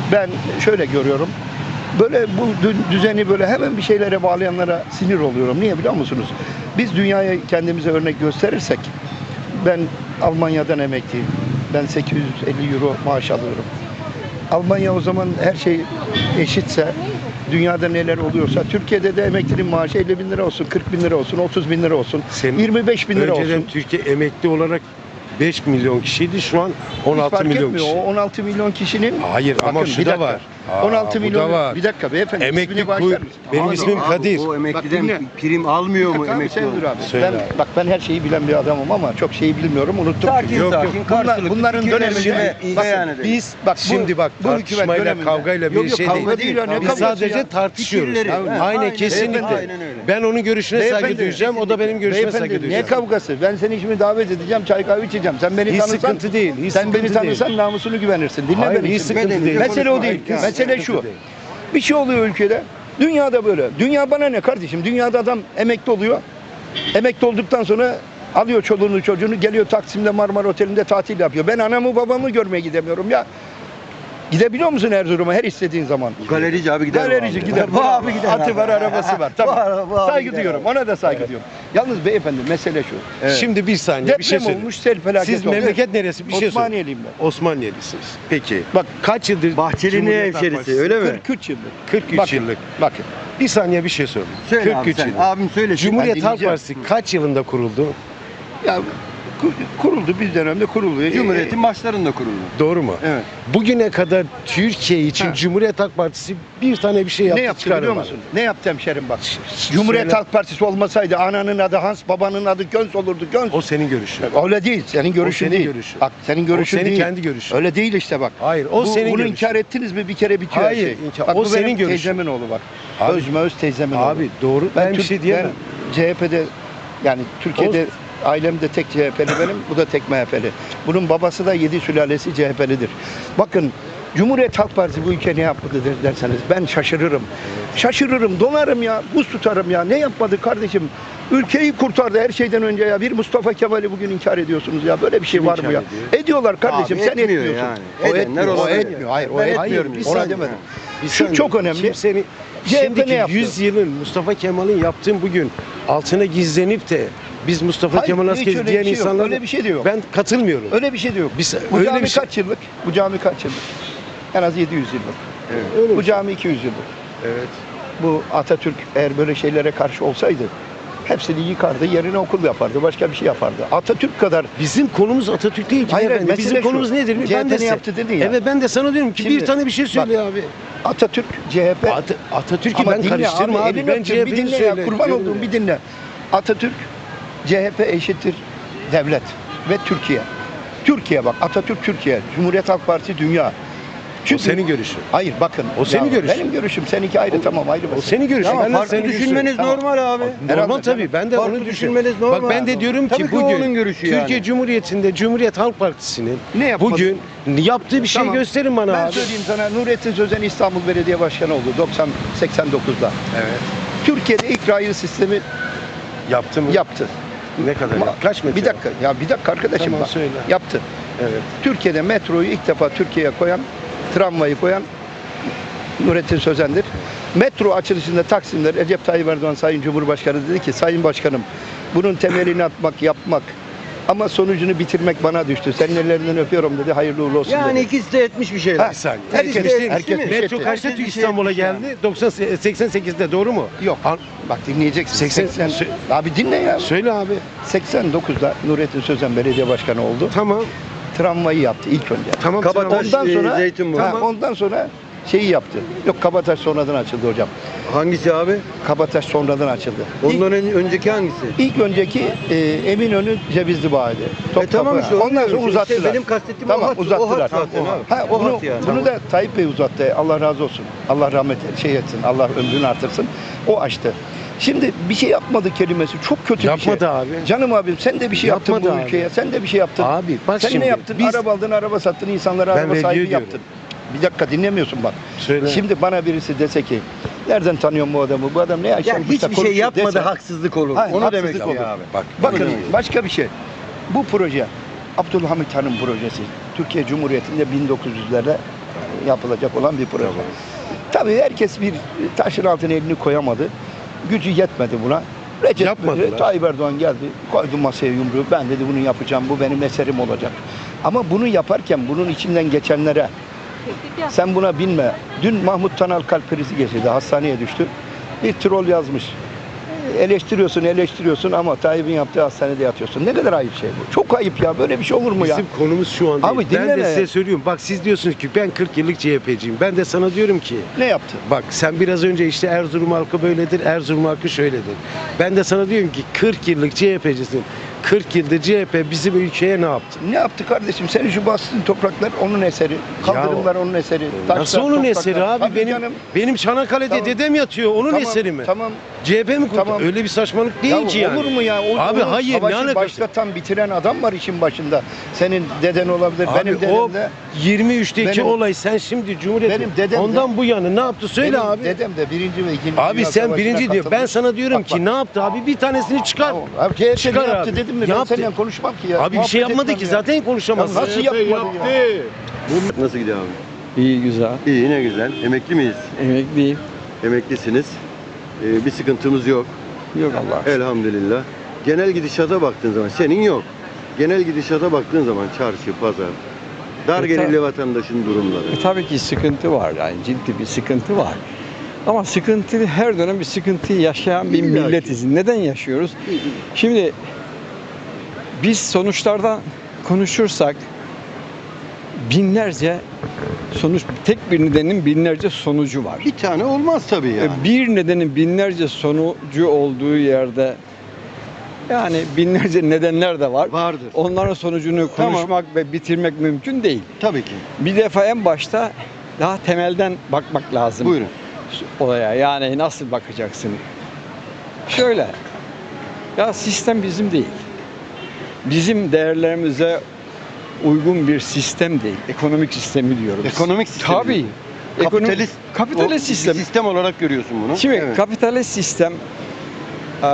Speaker 9: Ben şöyle görüyorum. Böyle bu dü- düzeni böyle hemen bir şeylere bağlayanlara sinir oluyorum. Niye biliyor musunuz? Biz dünyaya kendimize örnek gösterirsek, ben Almanya'dan emekliyim. Ben sekiz yüz elli euro maaş alıyorum. Almanya o zaman her şey eşitse, dünyada neler oluyorsa, Türkiye'de de emeklinin maaşı elli bin lira olsun, kırk bin lira olsun, otuz bin lira olsun,
Speaker 8: Senin
Speaker 9: yirmi beş bin lira
Speaker 8: Önceden
Speaker 9: olsun.
Speaker 8: Türkiye emekli olarak beş milyon kişiydi. Şu an
Speaker 9: Hiç
Speaker 8: on altı
Speaker 9: fark
Speaker 8: milyon
Speaker 9: etmiyor.
Speaker 8: kişi.
Speaker 9: O on altı milyon kişinin...
Speaker 8: Hayır ama
Speaker 9: Bakın,
Speaker 8: şu
Speaker 9: bir
Speaker 8: da
Speaker 9: dakika.
Speaker 8: var. Aa,
Speaker 9: on altı
Speaker 8: bu
Speaker 9: milyon...
Speaker 8: da var.
Speaker 9: Bir dakika beyefendi,
Speaker 8: Emekli
Speaker 9: ismini
Speaker 8: kuy-
Speaker 9: bağışlar mısın?
Speaker 8: benim
Speaker 9: Abi,
Speaker 8: ismim
Speaker 9: abi,
Speaker 8: Kadir.
Speaker 2: O
Speaker 9: Bak,
Speaker 2: emekliden
Speaker 9: dinle.
Speaker 2: prim almıyor mu
Speaker 9: Bir dakika abi,
Speaker 2: emekli
Speaker 9: sen
Speaker 2: olan?
Speaker 9: dur abi.
Speaker 8: Söyle
Speaker 9: Ben,
Speaker 8: abi.
Speaker 9: bak ben her şeyi bilen bir adamım ama çok şeyi bilmiyorum, unuttum.
Speaker 2: Sakin
Speaker 8: Yok,
Speaker 2: sakin,
Speaker 8: yok.
Speaker 9: Bunlar,
Speaker 2: karşılıklı
Speaker 9: bunların
Speaker 2: fikirlerimizi
Speaker 9: döneminde...
Speaker 2: iyi
Speaker 9: Bakın,
Speaker 2: beyan edelim.
Speaker 9: biz... Bak, bu-
Speaker 8: Şimdi bak
Speaker 9: bu hükümet
Speaker 8: tartışmayla
Speaker 9: döneminde-
Speaker 8: kavgayla bir
Speaker 9: Yok, yok,
Speaker 8: şey
Speaker 9: kavga
Speaker 8: değil.
Speaker 9: değil ya, ne
Speaker 8: Biz
Speaker 9: kavgası
Speaker 8: sadece
Speaker 9: ya?
Speaker 8: tartışıyoruz.
Speaker 2: Fikirleri.
Speaker 8: Tamam,
Speaker 2: Evet,
Speaker 8: aynen,
Speaker 2: aynen,
Speaker 8: kesinlikle.
Speaker 2: aynen öyle.
Speaker 8: Ben onun görüşüne saygı
Speaker 9: Beyefendi,
Speaker 8: duyacağım. O da benim görüşüme saygı
Speaker 9: Beyefendi,
Speaker 8: duyacak.
Speaker 9: ne kavgası? Ben seni şimdi davet edeceğim, çay kahve içeceğim. Sen beni
Speaker 8: Hiç
Speaker 9: tanısan,
Speaker 8: sıkıntı değil, hiç
Speaker 9: sen beni
Speaker 8: sıkıntı
Speaker 9: tanısan
Speaker 8: değil.
Speaker 9: namusunu güvenirsin. Dinle
Speaker 8: Hayır,
Speaker 9: beni
Speaker 8: hiç
Speaker 9: şimdi.
Speaker 8: sıkıntı değil.
Speaker 9: Mesele o değil.
Speaker 8: Hayır,
Speaker 9: Mesele
Speaker 8: sıkıntı
Speaker 9: şu.
Speaker 8: değil.
Speaker 9: Bir şey oluyor ülkede. Dünyada böyle. Dünya bana ne kardeşim? Dünyada adam emekli oluyor. Emekli olduktan sonra alıyor çoluğunu çocuğunu, geliyor Taksim'de Marmara Oteli'nde tatil yapıyor. Ben anamı babamı görmeye gidemiyorum ya. Gidebiliyor musun Erzurum'a her istediğin zaman?
Speaker 2: Galerici abi gider.
Speaker 9: Galerici
Speaker 2: abi.
Speaker 9: gider.
Speaker 2: Bu abi gider.
Speaker 9: Atı
Speaker 2: abi.
Speaker 9: var, arabası var. Tamam.
Speaker 2: Bu ara- bu abi
Speaker 9: Saygı
Speaker 2: gider
Speaker 9: duyuyorum.
Speaker 2: abi.
Speaker 9: Ona da saygı duyuyorum. Yalnız beyefendi mesele şu.
Speaker 2: Evet.
Speaker 8: Şimdi bir saniye bir şey
Speaker 9: Deprem
Speaker 8: söyleyeyim.
Speaker 9: olmuş, sel felaketi
Speaker 8: Siz
Speaker 9: olmuş.
Speaker 8: memleket neresi? Bir şey söyleyeyim.
Speaker 9: Osmaniyeliyim ben.
Speaker 8: Osmaniyelisiniz. Peki.
Speaker 9: Bak,
Speaker 8: Kaç yıldır
Speaker 2: Bahçeli'nin
Speaker 8: Cumhuriyet Halk
Speaker 2: hemşerisi
Speaker 8: Partisi?
Speaker 2: öyle mi?
Speaker 9: kırk üç yıldır.
Speaker 8: kırk üç
Speaker 9: Bakın,
Speaker 8: yıllık.
Speaker 9: Bakın.
Speaker 8: Bir saniye bir şey söyleyeyim.
Speaker 2: Söyle
Speaker 8: kırk
Speaker 2: abi
Speaker 8: üç
Speaker 2: sen.
Speaker 8: yıllık.
Speaker 2: Abim söyle.
Speaker 8: Cumhuriyet
Speaker 9: Ben
Speaker 8: Halk
Speaker 9: dinleyeceğim.
Speaker 8: Partisi kaç yılında kuruldu?
Speaker 9: Ya ku- kuruldu bir dönemde kuruluyor.
Speaker 2: Cumhuriyet'in başlarında kuruldu.
Speaker 8: Doğru mu?
Speaker 2: Evet.
Speaker 8: Bugüne kadar Türkiye için
Speaker 9: Ha.
Speaker 8: Cumhuriyet Halk Partisi bir tane bir şey
Speaker 9: ne
Speaker 8: yaptı
Speaker 9: yaptı biliyor
Speaker 8: çıkarmadı.
Speaker 9: musun? Ne yaptı hemşerim bak. Cumhuriyet
Speaker 8: Söyle.
Speaker 9: Halk Partisi olmasaydı ananın adı Hans, babanın adı Göns olurdu. Göns.
Speaker 8: O senin görüşün.
Speaker 9: Öyle değil. Senin görüşün
Speaker 8: senin
Speaker 9: değil.
Speaker 8: görüşün.
Speaker 9: Bak senin görüşün
Speaker 8: o senin
Speaker 9: değil.
Speaker 8: kendi görüşün.
Speaker 9: Öyle değil işte bak.
Speaker 8: Hayır, o
Speaker 9: Bu-
Speaker 8: senin
Speaker 9: Bunu
Speaker 8: görüşün.
Speaker 9: inkar ettiniz mi bir kere bitiyor
Speaker 8: Hayır,
Speaker 9: her şey.
Speaker 8: inkar-
Speaker 9: Bak,
Speaker 8: o
Speaker 9: bu
Speaker 8: senin
Speaker 9: benim
Speaker 8: görüşün.
Speaker 9: teyzemin oğlu bak.
Speaker 8: Abi-
Speaker 9: Özme öz teyzemin
Speaker 8: Abi
Speaker 9: oğlu.
Speaker 8: doğru. Ben, bir
Speaker 9: Türk-
Speaker 8: şey diyemem.
Speaker 9: ben C H P'de yani Türkiye'de ailemde tek C H P'li benim, bu da tek M H P'li. Bunun babası da yedi sülalesi C H P'lidir. Bakın Cumhuriyet Halk Partisi bu ülke ne yaptı derseniz ben şaşırırım. Şaşırırım, donarım ya, buz tutarım ya. Ne yapmadı kardeşim? Ülkeyi kurtardı her şeyden önce ya. Bir Mustafa Kemal'i bugün inkar ediyorsunuz ya. Böyle bir şey
Speaker 8: Kim
Speaker 9: var mı
Speaker 8: inkar
Speaker 9: ya?
Speaker 8: ediyor?
Speaker 9: Ediyorlar kardeşim.
Speaker 2: Abi
Speaker 9: sen
Speaker 2: etmiyor
Speaker 9: etmiyorsun.
Speaker 2: yani.
Speaker 9: O
Speaker 2: Edenler
Speaker 9: etmiyor. O
Speaker 2: olabilir.
Speaker 9: etmiyor. Hayır, o
Speaker 2: Ben
Speaker 9: etmiyor.
Speaker 2: etmiyorum.
Speaker 8: Bir
Speaker 9: Ona
Speaker 8: saniye.
Speaker 9: demedim.
Speaker 8: Bir
Speaker 9: Şu
Speaker 8: saniye.
Speaker 9: çok önemli.
Speaker 8: Kimsenin,
Speaker 9: C H P
Speaker 8: şimdiki
Speaker 9: ne yaptı?
Speaker 8: yüz yılın Mustafa Kemal'in yaptığın bugün altına gizlenip de biz Mustafa
Speaker 9: Hayır,
Speaker 8: Kemal
Speaker 9: hiç
Speaker 8: askeri
Speaker 9: öyle
Speaker 8: diyen
Speaker 9: bir şey yok.
Speaker 8: insanlar
Speaker 9: Öyle bir şey de yok.
Speaker 8: ben katılmıyorum.
Speaker 9: Öyle bir şey de yok.
Speaker 8: Biz-
Speaker 9: bu
Speaker 8: öyle
Speaker 9: cami
Speaker 8: bir şey-
Speaker 9: kaç yıllık? Bu cami kaç yıllık? En az yedi yüz yıllık.
Speaker 8: Öyle
Speaker 9: Bu
Speaker 8: bir-
Speaker 9: cami iki yüz yıllık.
Speaker 8: Evet.
Speaker 9: Bu Atatürk eğer böyle şeylere karşı olsaydı hepsini yıkardı, yerine okul yapardı, başka bir şey yapardı. Atatürk kadar
Speaker 8: Bizim konumuz Atatürk değil ki.
Speaker 9: Hayır,
Speaker 8: beyefendi.
Speaker 9: mesele
Speaker 8: Bizim
Speaker 9: şu.
Speaker 8: konumuz nedir?
Speaker 9: C H P
Speaker 8: Ben de
Speaker 9: ne
Speaker 8: size-
Speaker 9: yaptı dedin ya.
Speaker 8: Evet ben de sana diyorum ki
Speaker 9: Şimdi,
Speaker 8: bir tane bir şey söyle abi.
Speaker 9: Atatürk, C H P...
Speaker 8: At Atatürk'ü
Speaker 9: Ama
Speaker 8: ben
Speaker 9: dinle
Speaker 8: karıştırma abi.
Speaker 9: elini
Speaker 8: Ben
Speaker 9: öptüm, bir
Speaker 8: C H P'yi
Speaker 9: dinle ya,
Speaker 8: söyle.
Speaker 9: kurban
Speaker 8: diyorum
Speaker 9: olduğum
Speaker 8: ya.
Speaker 9: bir dinle. Atatürk, C H P eşittir devlet ve Türkiye. Türkiye bak, Atatürk Türkiye, Cumhuriyet Halk Partisi dünya.
Speaker 8: O senin görüşün.
Speaker 9: Hayır bakın.
Speaker 8: O senin
Speaker 9: ya
Speaker 8: görüşün.
Speaker 9: Benim görüşüm, seninki ayrı tamam ayrı
Speaker 8: O
Speaker 9: mesele.
Speaker 8: senin görüşün.
Speaker 2: Ama
Speaker 8: Ben de
Speaker 2: farklı
Speaker 8: senin görüşün.
Speaker 2: düşünmeniz
Speaker 9: Tamam.
Speaker 2: normal abi.
Speaker 8: Normal
Speaker 9: Herhalde,
Speaker 8: tabii. Ben de
Speaker 2: Farklı
Speaker 8: onu düşünüyorum.
Speaker 2: düşünmeniz normal.
Speaker 8: Bak ben de diyorum
Speaker 2: Tabii
Speaker 8: ki
Speaker 2: ki o
Speaker 8: bugün
Speaker 2: onun görüşü
Speaker 8: Türkiye
Speaker 2: yani.
Speaker 8: Cumhuriyeti'nde Cumhuriyet Halk Partisi'nin
Speaker 9: Ne yapmadı?
Speaker 8: bugün yaptığı bir şey
Speaker 9: Tamam.
Speaker 8: gösterin bana
Speaker 9: Ben
Speaker 8: abi.
Speaker 9: söyleyeyim sana, Nurettin Sözen İstanbul Belediye Başkanı oldu doksan seksen dokuzda.
Speaker 8: Evet.
Speaker 9: Türkiye'de ilk raylı sistemi
Speaker 8: Yaptı mı?
Speaker 9: yaptı.
Speaker 8: Ne kadar?
Speaker 9: Ama-
Speaker 8: yaptı? Kaç metre?
Speaker 9: Bir dakika ya bir dakika arkadaşım
Speaker 8: Tamam,
Speaker 9: bak.
Speaker 8: söyle.
Speaker 9: Yaptı.
Speaker 8: Evet.
Speaker 9: Türkiye'de metroyu ilk defa Türkiye'ye koyan, tramvayı koyan Nurettin Sözen'dir. Metro açılışında Taksim'de Recep Tayyip Erdoğan Sayın Cumhurbaşkanı dedi ki Sayın Başkanım bunun temelini atmak, yapmak ama sonucunu bitirmek bana düştü. Senin ellerinden öpüyorum dedi. Hayırlı uğurlu olsun
Speaker 2: Yani
Speaker 9: dedi.
Speaker 2: ikisi de etmiş bir şeyler.
Speaker 9: Ha,
Speaker 8: Bir saniye.
Speaker 9: herkes,
Speaker 2: Herkes-
Speaker 9: herkes,
Speaker 2: herkes-
Speaker 9: bir şey
Speaker 8: Metro
Speaker 9: etti.
Speaker 8: kaçta
Speaker 2: Herkes bir şey
Speaker 8: İstanbul'a
Speaker 2: etmiş
Speaker 8: geldi? doksan seksen sekizde doğru mu?
Speaker 9: Yok.
Speaker 8: Al-
Speaker 9: Bak dinleyeceksin.
Speaker 8: seksen
Speaker 9: seksen Abi dinle ya.
Speaker 8: Söyle abi.
Speaker 9: seksen dokuzda Nurettin Sözen belediye başkanı oldu.
Speaker 8: Tamam.
Speaker 9: Tramvayı yaptı ilk önce.
Speaker 8: Tamam.
Speaker 2: Kabataş,
Speaker 8: tamam.
Speaker 9: Ondan
Speaker 2: e,
Speaker 9: sonra
Speaker 2: Zeytinburnu.
Speaker 9: ha,
Speaker 2: Tamam.
Speaker 9: ondan sonra şeyi yaptı. Yok Kabataş sonradan açıldı hocam.
Speaker 2: Hangisi abi?
Speaker 9: Kabataş sonradan açıldı. İlk,
Speaker 2: Ondan ön- önceki hangisi?
Speaker 9: ilk önceki e, Eminönü Cevizli Bağ'dı.
Speaker 2: E tamam işte, onu
Speaker 9: Ondan sonra
Speaker 2: diyorum.
Speaker 9: uzattılar.
Speaker 2: İşte benim kastettiğim
Speaker 9: tamam,
Speaker 2: o hat- o
Speaker 9: uzattılar.
Speaker 2: hat zaten abi.
Speaker 9: Ha,
Speaker 2: O
Speaker 9: bunu,
Speaker 2: hat yani.
Speaker 9: bunu
Speaker 2: Tamam.
Speaker 9: da Tayyip Bey uzattı. Allah razı olsun. Allah rahmet şey etsin. Allah ömrünü artırsın. O açtı. Şimdi bir şey yapmadı kelimesi çok kötü bir
Speaker 8: Yapmadı
Speaker 9: şey.
Speaker 8: abi.
Speaker 9: Canım abim sen de bir şey yaptın
Speaker 8: Yapmadı
Speaker 9: bu
Speaker 8: abi.
Speaker 9: ülkeye. Sen de bir şey yaptın.
Speaker 8: Abi bak
Speaker 9: sen
Speaker 8: şimdi.
Speaker 9: ne yaptın?
Speaker 8: Biz,
Speaker 9: Araba aldın, araba sattın, insanlara
Speaker 8: Ben
Speaker 9: araba
Speaker 8: vergi
Speaker 9: sahibi
Speaker 8: ödüyorum.
Speaker 9: yaptın. Bir dakika dinlemiyorsun bak.
Speaker 8: Söyle.
Speaker 9: Şimdi bana birisi dese ki nereden tanıyorum bu adamı? Bu adam ne
Speaker 2: Ya
Speaker 9: yaşamış da
Speaker 2: hiçbir şey
Speaker 9: konuşuyor
Speaker 2: yapmadı
Speaker 9: dese-
Speaker 2: haksızlık olur.
Speaker 9: Hayır,
Speaker 2: Onu
Speaker 9: haksızlık
Speaker 2: demek
Speaker 9: olur.
Speaker 2: olur. abi.
Speaker 8: Bak.
Speaker 9: Bakın
Speaker 2: Onu demek.
Speaker 9: başka bir şey. Bu proje Abdülhamit Han'ın projesi. Türkiye Cumhuriyeti'nde bin dokuz yüzlerde yapılacak olan bir proje. Tabii herkes bir taşın altına elini koyamadı. Gücü yetmedi buna. Recep
Speaker 8: Yapmadılar.
Speaker 9: Tayyip Erdoğan geldi, koydu masaya yumruğu. Ben dedi bunu yapacağım, bu benim eserim olacak. Ama bunu yaparken bunun içinden geçenlere sen buna binme. Dün Mahmut Tanal kalp krizi geçirdi, hastaneye düştü. Bir troll yazmış. Eleştiriyorsun, eleştiriyorsun ama Tayyip'in yaptığı hastanede yatıyorsun. Ne kadar ayıp şey bu. Çok ayıp ya. Böyle bir şey olur mu ya?
Speaker 8: Bizim konumuz şu an değil.
Speaker 9: Abi
Speaker 8: ben
Speaker 9: dinleme.
Speaker 8: de size söylüyorum. Bak siz diyorsunuz ki ben kırk yıllık C H P'ciyim. Ben de sana diyorum ki
Speaker 9: Ne yaptı?
Speaker 8: bak sen biraz önce işte Erzurum halkı böyledir, Erzurum halkı şöyledir. Ben de sana diyorum ki kırk yıllık C H P'cisin. kırk yıldır C H P bizim ülkeye ne yaptı?
Speaker 9: Ne yaptı kardeşim? Senin şu bastığın topraklar onun eseri. Kaldırımlar onun eseri. Taşlar,
Speaker 8: Nasıl onun
Speaker 9: topraklar.
Speaker 8: eseri abi?
Speaker 9: Tabii
Speaker 8: benim
Speaker 9: canım.
Speaker 8: benim Çanakkale'de
Speaker 9: Tamam.
Speaker 8: dedem yatıyor. Onun
Speaker 9: Tamam,
Speaker 8: eseri mi?
Speaker 9: Tamam.
Speaker 8: C H P mi kurdu?
Speaker 9: Tamam.
Speaker 8: Öyle bir saçmalık değil
Speaker 9: Ya
Speaker 8: ki yani.
Speaker 9: olur mu ya? O,
Speaker 8: Abi
Speaker 9: onu
Speaker 8: hayır, ne
Speaker 9: savaşı
Speaker 8: alakası?
Speaker 9: başlatan, bitiren adam var işin başında. Senin deden olabilir,
Speaker 8: Abi
Speaker 9: benim dedem
Speaker 8: o
Speaker 9: de.
Speaker 8: yirmi üçteki
Speaker 9: Benim-
Speaker 8: olay sen şimdi Cumhuriyet
Speaker 9: Benim dedem de-
Speaker 8: ondan bu yana ne yaptı söyle
Speaker 9: benim
Speaker 8: abi.
Speaker 9: dedem de birinci ve ikinci
Speaker 8: Abi
Speaker 9: Dünya
Speaker 8: sen
Speaker 9: Savaşı'na
Speaker 8: birinci diyor. Ben
Speaker 9: katılmış.
Speaker 8: sana diyorum
Speaker 9: Bak,
Speaker 8: ki
Speaker 9: bak.
Speaker 8: ne yaptı abi? Bir tanesini çıkar.
Speaker 9: Tamam. Abi C H P
Speaker 8: Çıkar
Speaker 9: ne yaptı
Speaker 8: abi.
Speaker 9: dedim mi? Ben
Speaker 8: Yaptı.
Speaker 9: seninle konuşmam ki ya.
Speaker 8: Abi bir şey
Speaker 9: Muhabbet
Speaker 8: yapmadı
Speaker 9: etmem
Speaker 8: ki
Speaker 9: ya.
Speaker 8: zaten konuşamazsın.
Speaker 9: Ya nasıl
Speaker 1: C H P
Speaker 9: yapmadı ya?
Speaker 1: yaptı.
Speaker 2: Nasıl gidiyor abi?
Speaker 7: İyi güzel.
Speaker 2: İyi, ne güzel. Emekli miyiz?
Speaker 7: Emekliyim.
Speaker 2: Emeklisiniz. Ee, bir sıkıntımız yok.
Speaker 7: Yok Allah.
Speaker 2: Elhamdülillah. Genel gidişata baktığın zaman senin yok. Genel gidişata baktığın zaman çarşı, pazar, dar
Speaker 7: E,
Speaker 2: gelirli
Speaker 7: ta-
Speaker 2: vatandaşın durumları.
Speaker 7: E, tabii ki sıkıntı var yani ciddi bir sıkıntı var. Ama sıkıntı her dönem bir sıkıntıyı yaşayan bir
Speaker 2: İlla ki.
Speaker 7: milletiz. Neden yaşıyoruz? Şimdi biz sonuçlardan konuşursak binlerce sonuç, tek bir nedenin binlerce sonucu var.
Speaker 2: Bir tane olmaz tabii yani.
Speaker 7: E, Bir nedenin binlerce sonucu olduğu yerde yani binlerce nedenler de var.
Speaker 2: Vardır.
Speaker 7: Onların sonucunu
Speaker 2: Tamam.
Speaker 7: konuşmak ve bitirmek mümkün değil.
Speaker 2: Tabii ki.
Speaker 7: Bir defa en başta daha temelden bakmak lazım
Speaker 2: Buyurun.
Speaker 7: olaya. Yani nasıl bakacaksın? Şöyle, ya sistem bizim değil. Bizim değerlerimize uygun bir sistem değil. Ekonomik sistemi diyorum.
Speaker 2: Ekonomik sistem.
Speaker 7: Tabii.
Speaker 2: Kapitalist,
Speaker 7: Ekonomik- kapitalist
Speaker 2: o-
Speaker 7: sistem.
Speaker 2: bir sistem olarak görüyorsun bunu.
Speaker 7: Şimdi
Speaker 2: Evet.
Speaker 7: kapitalist sistem e,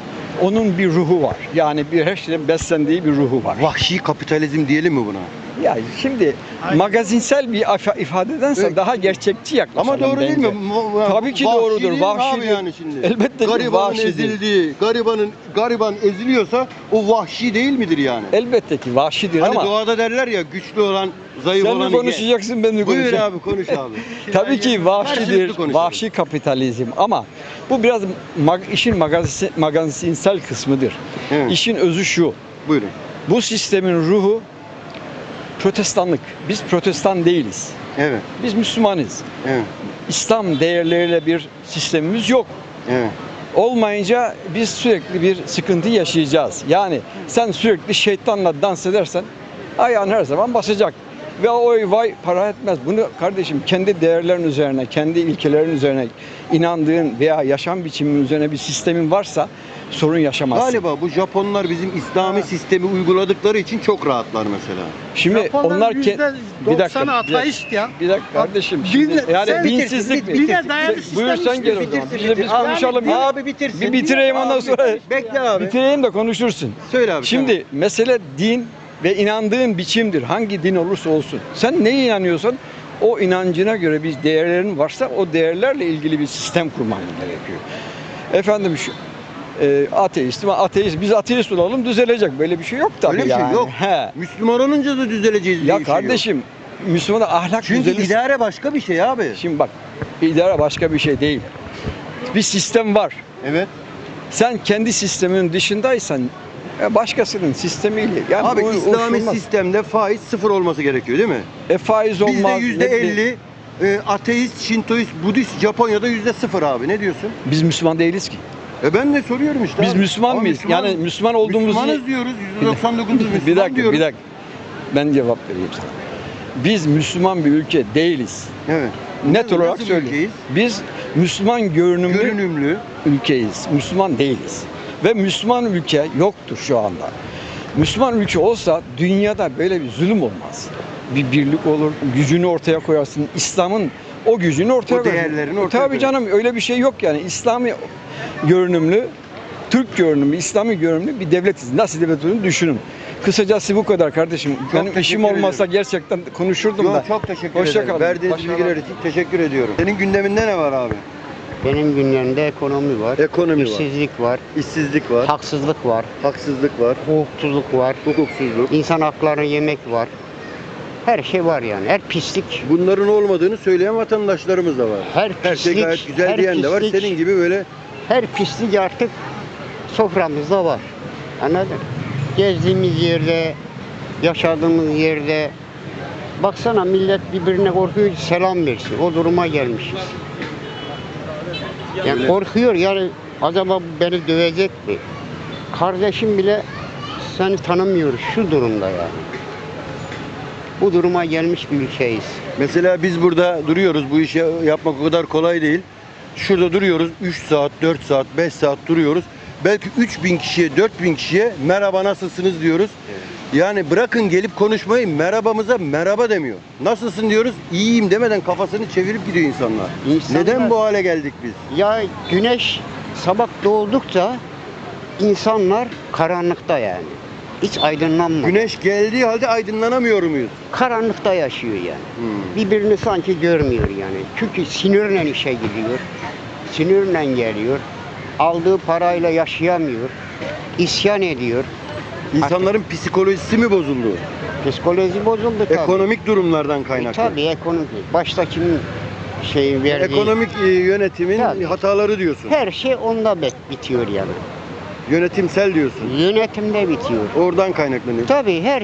Speaker 7: onun bir ruhu var. Yani bir her şeyden beslendiği bir ruhu var.
Speaker 2: Vahşi kapitalizm diyelim mi buna?
Speaker 7: Ya şimdi magazinsel bir ifa- ifadedense
Speaker 2: Evet.
Speaker 7: daha gerçekçi yaklaşalım
Speaker 2: Ama doğru değil
Speaker 7: bence.
Speaker 2: mi? Mu-
Speaker 7: Tabii ki
Speaker 2: vahşi
Speaker 7: doğrudur,
Speaker 2: değil mi
Speaker 7: vahşi
Speaker 2: abi
Speaker 7: değil.
Speaker 2: yani şimdi.
Speaker 7: Elbette ki
Speaker 2: Garibanın
Speaker 7: vahşi değil.
Speaker 2: ezildiği, garibanın gariban eziliyorsa o vahşi değil midir yani?
Speaker 7: Elbette ki vahşidir
Speaker 2: Hani
Speaker 7: ama
Speaker 2: doğada derler ya güçlü olan, zayıf
Speaker 7: sen
Speaker 2: olan.
Speaker 7: mi konuşacaksın ben mi
Speaker 2: Buyur
Speaker 7: konuşacağım?
Speaker 2: abi konuş abi.
Speaker 7: Tabii ki vahşidir,
Speaker 2: Karşılıklı konuşalım.
Speaker 7: vahşi kapitalizm ama bu biraz mag- işin magazin, magazinsel kısmıdır.
Speaker 2: Evet.
Speaker 7: İşin özü şu,
Speaker 2: Buyurun.
Speaker 7: bu sistemin ruhu protestanlık. Biz protestan değiliz.
Speaker 2: Evet.
Speaker 7: Biz Müslümanız.
Speaker 2: Evet.
Speaker 7: İslam değerleriyle bir sistemimiz yok.
Speaker 2: Evet.
Speaker 7: Olmayınca biz sürekli bir sıkıntı yaşayacağız. Yani sen sürekli şeytanla dans edersen ayağın her zaman basacak. Ve oy vay para etmez. Bunu kardeşim kendi değerlerin üzerine, kendi ilkelerin üzerine inandığın veya yaşam biçimin üzerine bir sistemin varsa sorun yaşamazsın.
Speaker 2: Galiba bu Japonlar bizim İslami sistemi uyguladıkları için çok rahatlar mesela.
Speaker 7: Şimdi onlar ke- bir dakika, bir dakika,
Speaker 3: ateist ya.
Speaker 7: bir dakika kardeşim. Şimdi, yani
Speaker 3: sen
Speaker 7: dinsizlik mi?
Speaker 3: bitirsin, bir de dayalı sistem
Speaker 7: Buyur sen
Speaker 3: işte,
Speaker 7: gel o zaman.
Speaker 2: bitirsin,
Speaker 7: Biz, de biz
Speaker 2: bitirsin.
Speaker 7: konuşalım.
Speaker 2: Abi,
Speaker 7: ya.
Speaker 2: abi bitirsin.
Speaker 7: Bir bitireyim ondan
Speaker 2: Abi,
Speaker 7: sonra.
Speaker 2: Bekle abi.
Speaker 7: Bitireyim de konuşursun.
Speaker 2: Söyle abi.
Speaker 7: Şimdi
Speaker 2: tamam.
Speaker 7: mesele din ve inandığın biçimdir. Hangi din olursa olsun. Sen neye inanıyorsan o inancına göre bir değerlerin varsa o değerlerle ilgili bir sistem kurman gerekiyor. Efendim şu e, ateist, ateist biz ateist olalım düzelecek. Böyle bir şey yok tabii
Speaker 2: Öyle bir şey
Speaker 7: yani.
Speaker 2: yok.
Speaker 7: He.
Speaker 2: Müslüman olunca da düzeleceğiz diye
Speaker 7: Ya
Speaker 2: bir şey yok.
Speaker 7: kardeşim Müslümana ahlak
Speaker 2: Çünkü
Speaker 7: düzelir.
Speaker 2: idare başka bir şey abi.
Speaker 7: Şimdi bak idare başka bir şey değil. Bir sistem var.
Speaker 2: Evet.
Speaker 7: Sen kendi sisteminin dışındaysan e, başkasının sistemiyle yani
Speaker 2: Abi
Speaker 7: bu- o
Speaker 2: İslami
Speaker 7: olmaz.
Speaker 2: sistemde faiz sıfır olması gerekiyor değil mi?
Speaker 7: E, faiz olmaz.
Speaker 2: Bizde yüzde
Speaker 7: ne bileyim.
Speaker 2: elli e, ateist, Şintoist, Budist, Japonya'da yüzde sıfır abi. Ne diyorsun?
Speaker 7: Biz Müslüman değiliz ki.
Speaker 2: E ben de soruyorum işte.
Speaker 7: Biz
Speaker 2: abi.
Speaker 7: Müslüman
Speaker 2: Ama
Speaker 7: muyuz?
Speaker 2: Müslüman-
Speaker 7: Yani Müslüman olduğumuzu
Speaker 2: Müslümanız diyoruz. yüzde doksan dokuz Müslüman
Speaker 7: bir dakika,
Speaker 2: diyoruz.
Speaker 7: bir dakika. Ben cevap vereyim sana. Biz Müslüman bir ülke değiliz.
Speaker 2: Evet.
Speaker 7: Net
Speaker 2: Nasıl
Speaker 7: olarak
Speaker 2: bir
Speaker 7: söyleyeyim.
Speaker 2: ülkeyiz?
Speaker 7: Biz Müslüman görünümlü
Speaker 2: Görünümlü.
Speaker 7: ülkeyiz. Müslüman değiliz. Ve Müslüman ülke yoktur şu anda. Müslüman ülke olsa dünyada böyle bir zulüm olmaz. Bir birlik olur, gücünü ortaya koyarsın. İslam'ın o gücünü ortaya
Speaker 2: O
Speaker 7: koyarsın.
Speaker 2: değerlerini ortaya
Speaker 7: Tabii
Speaker 2: koyarsın.
Speaker 7: canım öyle bir şey yok yani. İslami görünümlü, Türk görünümlü, İslami görünümlü bir devletiz. Nasıl devlet olduğunu düşünün. Kısacası bu kadar kardeşim. Benim
Speaker 2: teşekkür
Speaker 7: işim olmasa
Speaker 2: ederim.
Speaker 7: gerçekten konuşurdum
Speaker 2: Yo,
Speaker 7: da.
Speaker 2: çok teşekkür
Speaker 7: Hoşça
Speaker 2: ederim.
Speaker 7: kalın.
Speaker 2: Verdiğiniz
Speaker 7: Başarılar.
Speaker 2: bilgiler için teşekkür ediyorum. Senin gündeminde ne var abi?
Speaker 6: Benim gündemimde ekonomi var,
Speaker 2: Ekonomi var,
Speaker 6: işsizlik var,
Speaker 2: işsizlik var,
Speaker 6: haksızlık var,
Speaker 2: haksızlık var,
Speaker 6: hukuksuzluk var,
Speaker 2: hukuksuzluk.
Speaker 6: insan haklarını yemek var. Her şey var yani. Her pislik,
Speaker 2: Bunların olmadığını söyleyen vatandaşlarımız da var.
Speaker 6: her
Speaker 2: Her şey
Speaker 6: pislik,
Speaker 2: gayet güzel
Speaker 6: her
Speaker 2: diyen de var.
Speaker 6: pislik,
Speaker 2: Senin gibi böyle
Speaker 6: her pislik artık soframızda var. Anladın? Gezdiğimiz yerde, yaşadığımız yerde baksana millet birbirine korkuyor ki selam versin. O duruma gelmişiz. Yani
Speaker 2: Öyle.
Speaker 6: korkuyor yani acaba beni dövecek mi? Kardeşim bile seni tanımıyoruz şu durumda yani. Bu duruma gelmiş bir ülkeyiz.
Speaker 2: mesela biz burada duruyoruz. Bu işi yapmak o kadar kolay değil. Şurada duruyoruz. üç saat, dört saat, beş saat duruyoruz. Belki üç bin kişiye, dört bin kişiye merhaba nasılsınız diyoruz. Yani bırakın gelip konuşmayı, merhabamıza merhaba demiyor. Nasılsın diyoruz, iyiyim demeden kafasını çevirip gidiyor insanlar.
Speaker 6: İnsanlar-
Speaker 2: Neden bu hale geldik biz?
Speaker 6: Ya güneş sabah doğdukça insanlar karanlıkta yani. Hiç aydınlanmıyor.
Speaker 2: Güneş geldiği halde aydınlanamıyor muyuz?
Speaker 6: Karanlıkta yaşıyor yani.
Speaker 2: Hmm.
Speaker 6: Birbirini sanki görmüyor yani. Çünkü sinirle işe gidiyor. Sinirle geliyor. Aldığı parayla yaşayamıyor. İsyan ediyor.
Speaker 2: İnsanların psikolojisi mi bozuldu?
Speaker 6: Psikoloji bozuldu tabii.
Speaker 2: Ekonomik durumlardan
Speaker 6: E,
Speaker 2: kaynaklı.
Speaker 6: tabii ekonomik. Başta kimin şeyi verdiği.
Speaker 2: Ekonomik e, yönetimin
Speaker 6: Tabii.
Speaker 2: hataları diyorsun.
Speaker 6: Her şey onda bit- bitiyor yani.
Speaker 2: Yönetimsel diyorsun.
Speaker 6: Yönetimde bitiyor.
Speaker 2: Oradan kaynaklanıyor.
Speaker 6: Tabii her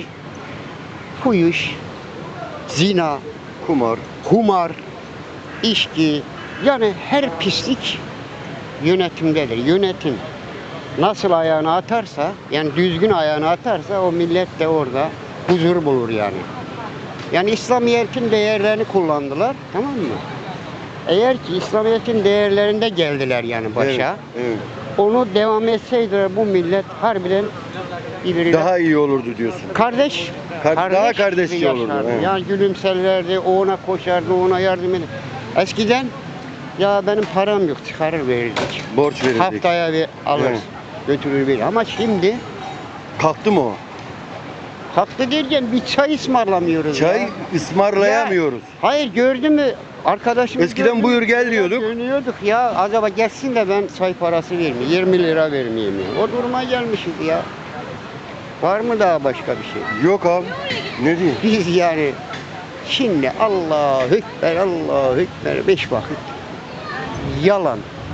Speaker 6: fuhuş, zina,
Speaker 2: Kumar.
Speaker 6: kumar, içki yani her pislik yönetimdedir. Yönetim nasıl ayağını atarsa yani düzgün ayağını atarsa o millet de orada huzur bulur yani. Yani İslamiyet'in değerlerini kullandılar tamam mı? Eğer ki İslamiyet'in değerlerinde geldiler yani başa.
Speaker 2: Evet, evet.
Speaker 6: Onu devam etseydiler bu millet harbiden birbiriyle
Speaker 2: Daha iyi olurdu diyorsun.
Speaker 6: kardeş,
Speaker 2: Kar- daha
Speaker 6: gibi
Speaker 2: kardeşçe olurdu,
Speaker 6: yaşardı.
Speaker 2: evet.
Speaker 6: Yani gülümserlerdi, o ona koşardı, ona yardım ederdi. Eskiden ya benim param yok, çıkarır verirdik.
Speaker 2: Borç verirdik.
Speaker 6: Haftaya bir alır,
Speaker 2: Evet.
Speaker 6: götürür bir. Ama şimdi
Speaker 2: Kalktı mı o?
Speaker 6: haklı derken bir çay ısmarlamıyoruz
Speaker 2: Çay
Speaker 6: ya.
Speaker 2: ısmarlayamıyoruz.
Speaker 6: Hayır gördün mü arkadaşım
Speaker 2: Eskiden buyur gel diyorduk.
Speaker 6: Dönüyorduk ya acaba gelsin de ben çay parası vermeyeyim, yirmi lira vermeyeyim ya. O duruma gelmişiz ya. Var mı daha başka bir şey?
Speaker 2: Yok abi. Ne diyeyim?
Speaker 6: Biz yani şimdi Allahu Ekber, Allahu Ekber beş vakit yalan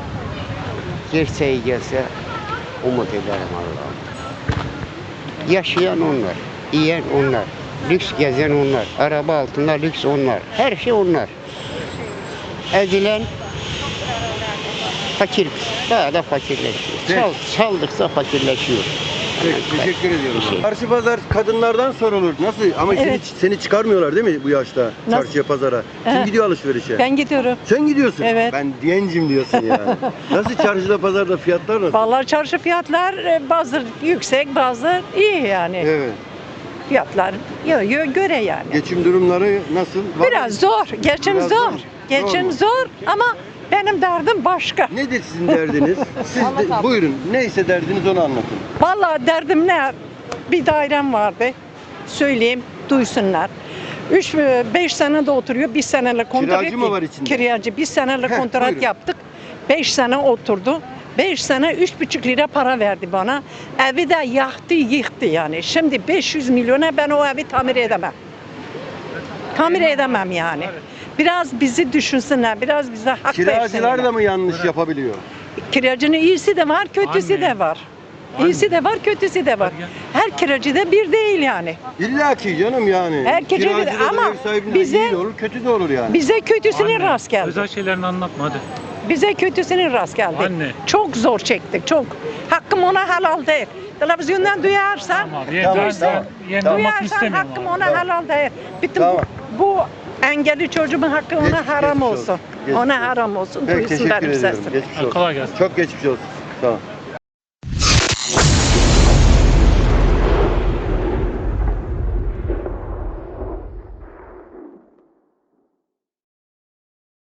Speaker 6: gerçeği gelse umut ederim Allah'ım. Yaşayan onlar, yiyen onlar, lüks gezen onlar, araba altında lüks onlar, her şey onlar. Ezilen fakir, daha da fakirleşiyor.
Speaker 2: Evet.
Speaker 6: Çal, çaldıkça fakirleşiyor.
Speaker 2: Peki, teşekkür ediyorum.
Speaker 6: Bir şey.
Speaker 2: Çarşı pazar kadınlardan sorulur. Nasıl? Ama
Speaker 10: Evet.
Speaker 2: seni, seni çıkarmıyorlar değil mi bu yaşta
Speaker 10: Nasıl?
Speaker 2: çarşıya pazara? Kim
Speaker 10: He.
Speaker 2: gidiyor alışverişe?
Speaker 10: Ben gidiyorum.
Speaker 2: Sen gidiyorsun.
Speaker 10: Evet.
Speaker 2: Ben gencim diyorsun yani. Nasıl çarşıda pazarda fiyatlar nasıl?
Speaker 10: Vallahi çarşı fiyatlar e, bazı yüksek, bazı iyi yani.
Speaker 2: Evet.
Speaker 10: Fiyatlar yo, yo, göre yani.
Speaker 2: Geçim durumları nasıl? Var
Speaker 10: Biraz
Speaker 2: mı?
Speaker 10: zor, geçim
Speaker 2: Biraz
Speaker 10: zor.
Speaker 2: zor.
Speaker 10: Geçim
Speaker 2: Zor mu?
Speaker 10: zor ama benim derdim başka.
Speaker 2: Nedir sizin derdiniz? Siz de, buyurun. Neyse derdiniz onu anlatın.
Speaker 10: Vallahi derdim ne? Bir dairem vardı. Söyleyeyim, duysunlar. Üç, beş sene de oturuyor. Bir seneyle kontrat.
Speaker 2: Kiracı mı var içinde?
Speaker 10: Kiracı. Bir seneyle
Speaker 2: Heh,
Speaker 10: kontrat
Speaker 2: buyurun.
Speaker 10: yaptık. Beş sene oturdu. Beş sene üç buçuk lira para verdi bana. Evi de yaktı, yıktı yani. Şimdi beş yüz milyona ben o evi tamir edemem. Tamir edemem yani. Biraz bizi düşünsünler, biraz bize hak
Speaker 2: Kiracılar
Speaker 10: versinler.
Speaker 2: da mı yanlış yapabiliyor?
Speaker 10: Kiracının iyisi de var, kötüsü de var. İyisi de var, kötüsü de var. Her kiracı da bir değil yani.
Speaker 2: İlla ki canım yani.
Speaker 10: Herkese bir-
Speaker 2: Kiracıda da
Speaker 10: ama
Speaker 2: ev sahibinde de
Speaker 10: bize-
Speaker 2: iyi de olur, kötü de olur yani.
Speaker 10: Bize kötüsünün rast geldi.
Speaker 11: Özel şeylerini anlatma hadi.
Speaker 10: Bize kötüsünün rast geldi.
Speaker 11: Anne.
Speaker 10: Çok zor çektik, çok. Hakkım ona helal değil. Televizyondan duyarsan,
Speaker 11: Tamam abi.
Speaker 2: Tamam,
Speaker 11: ben,
Speaker 2: tamam.
Speaker 11: ben yeniden olmak
Speaker 10: duyarsan
Speaker 11: istemiyorum
Speaker 10: hakkım
Speaker 11: abi.
Speaker 10: ona helal değil. Bütün
Speaker 2: Tamam.
Speaker 10: bu, bu engelli çocuğumun hakkı ona
Speaker 2: Geçmiş-
Speaker 10: haram
Speaker 2: geçmiş
Speaker 10: olsun.
Speaker 2: olsun. Geçmiş
Speaker 10: Ona
Speaker 2: olsun.
Speaker 10: haram olsun.
Speaker 2: Peki
Speaker 10: Duysunlar
Speaker 2: teşekkür
Speaker 10: bir
Speaker 2: ediyorum.
Speaker 10: sesini.
Speaker 2: Geçmiş olsun.
Speaker 11: Kolay gelsin.
Speaker 2: Çok geçmiş olsun. Tamam.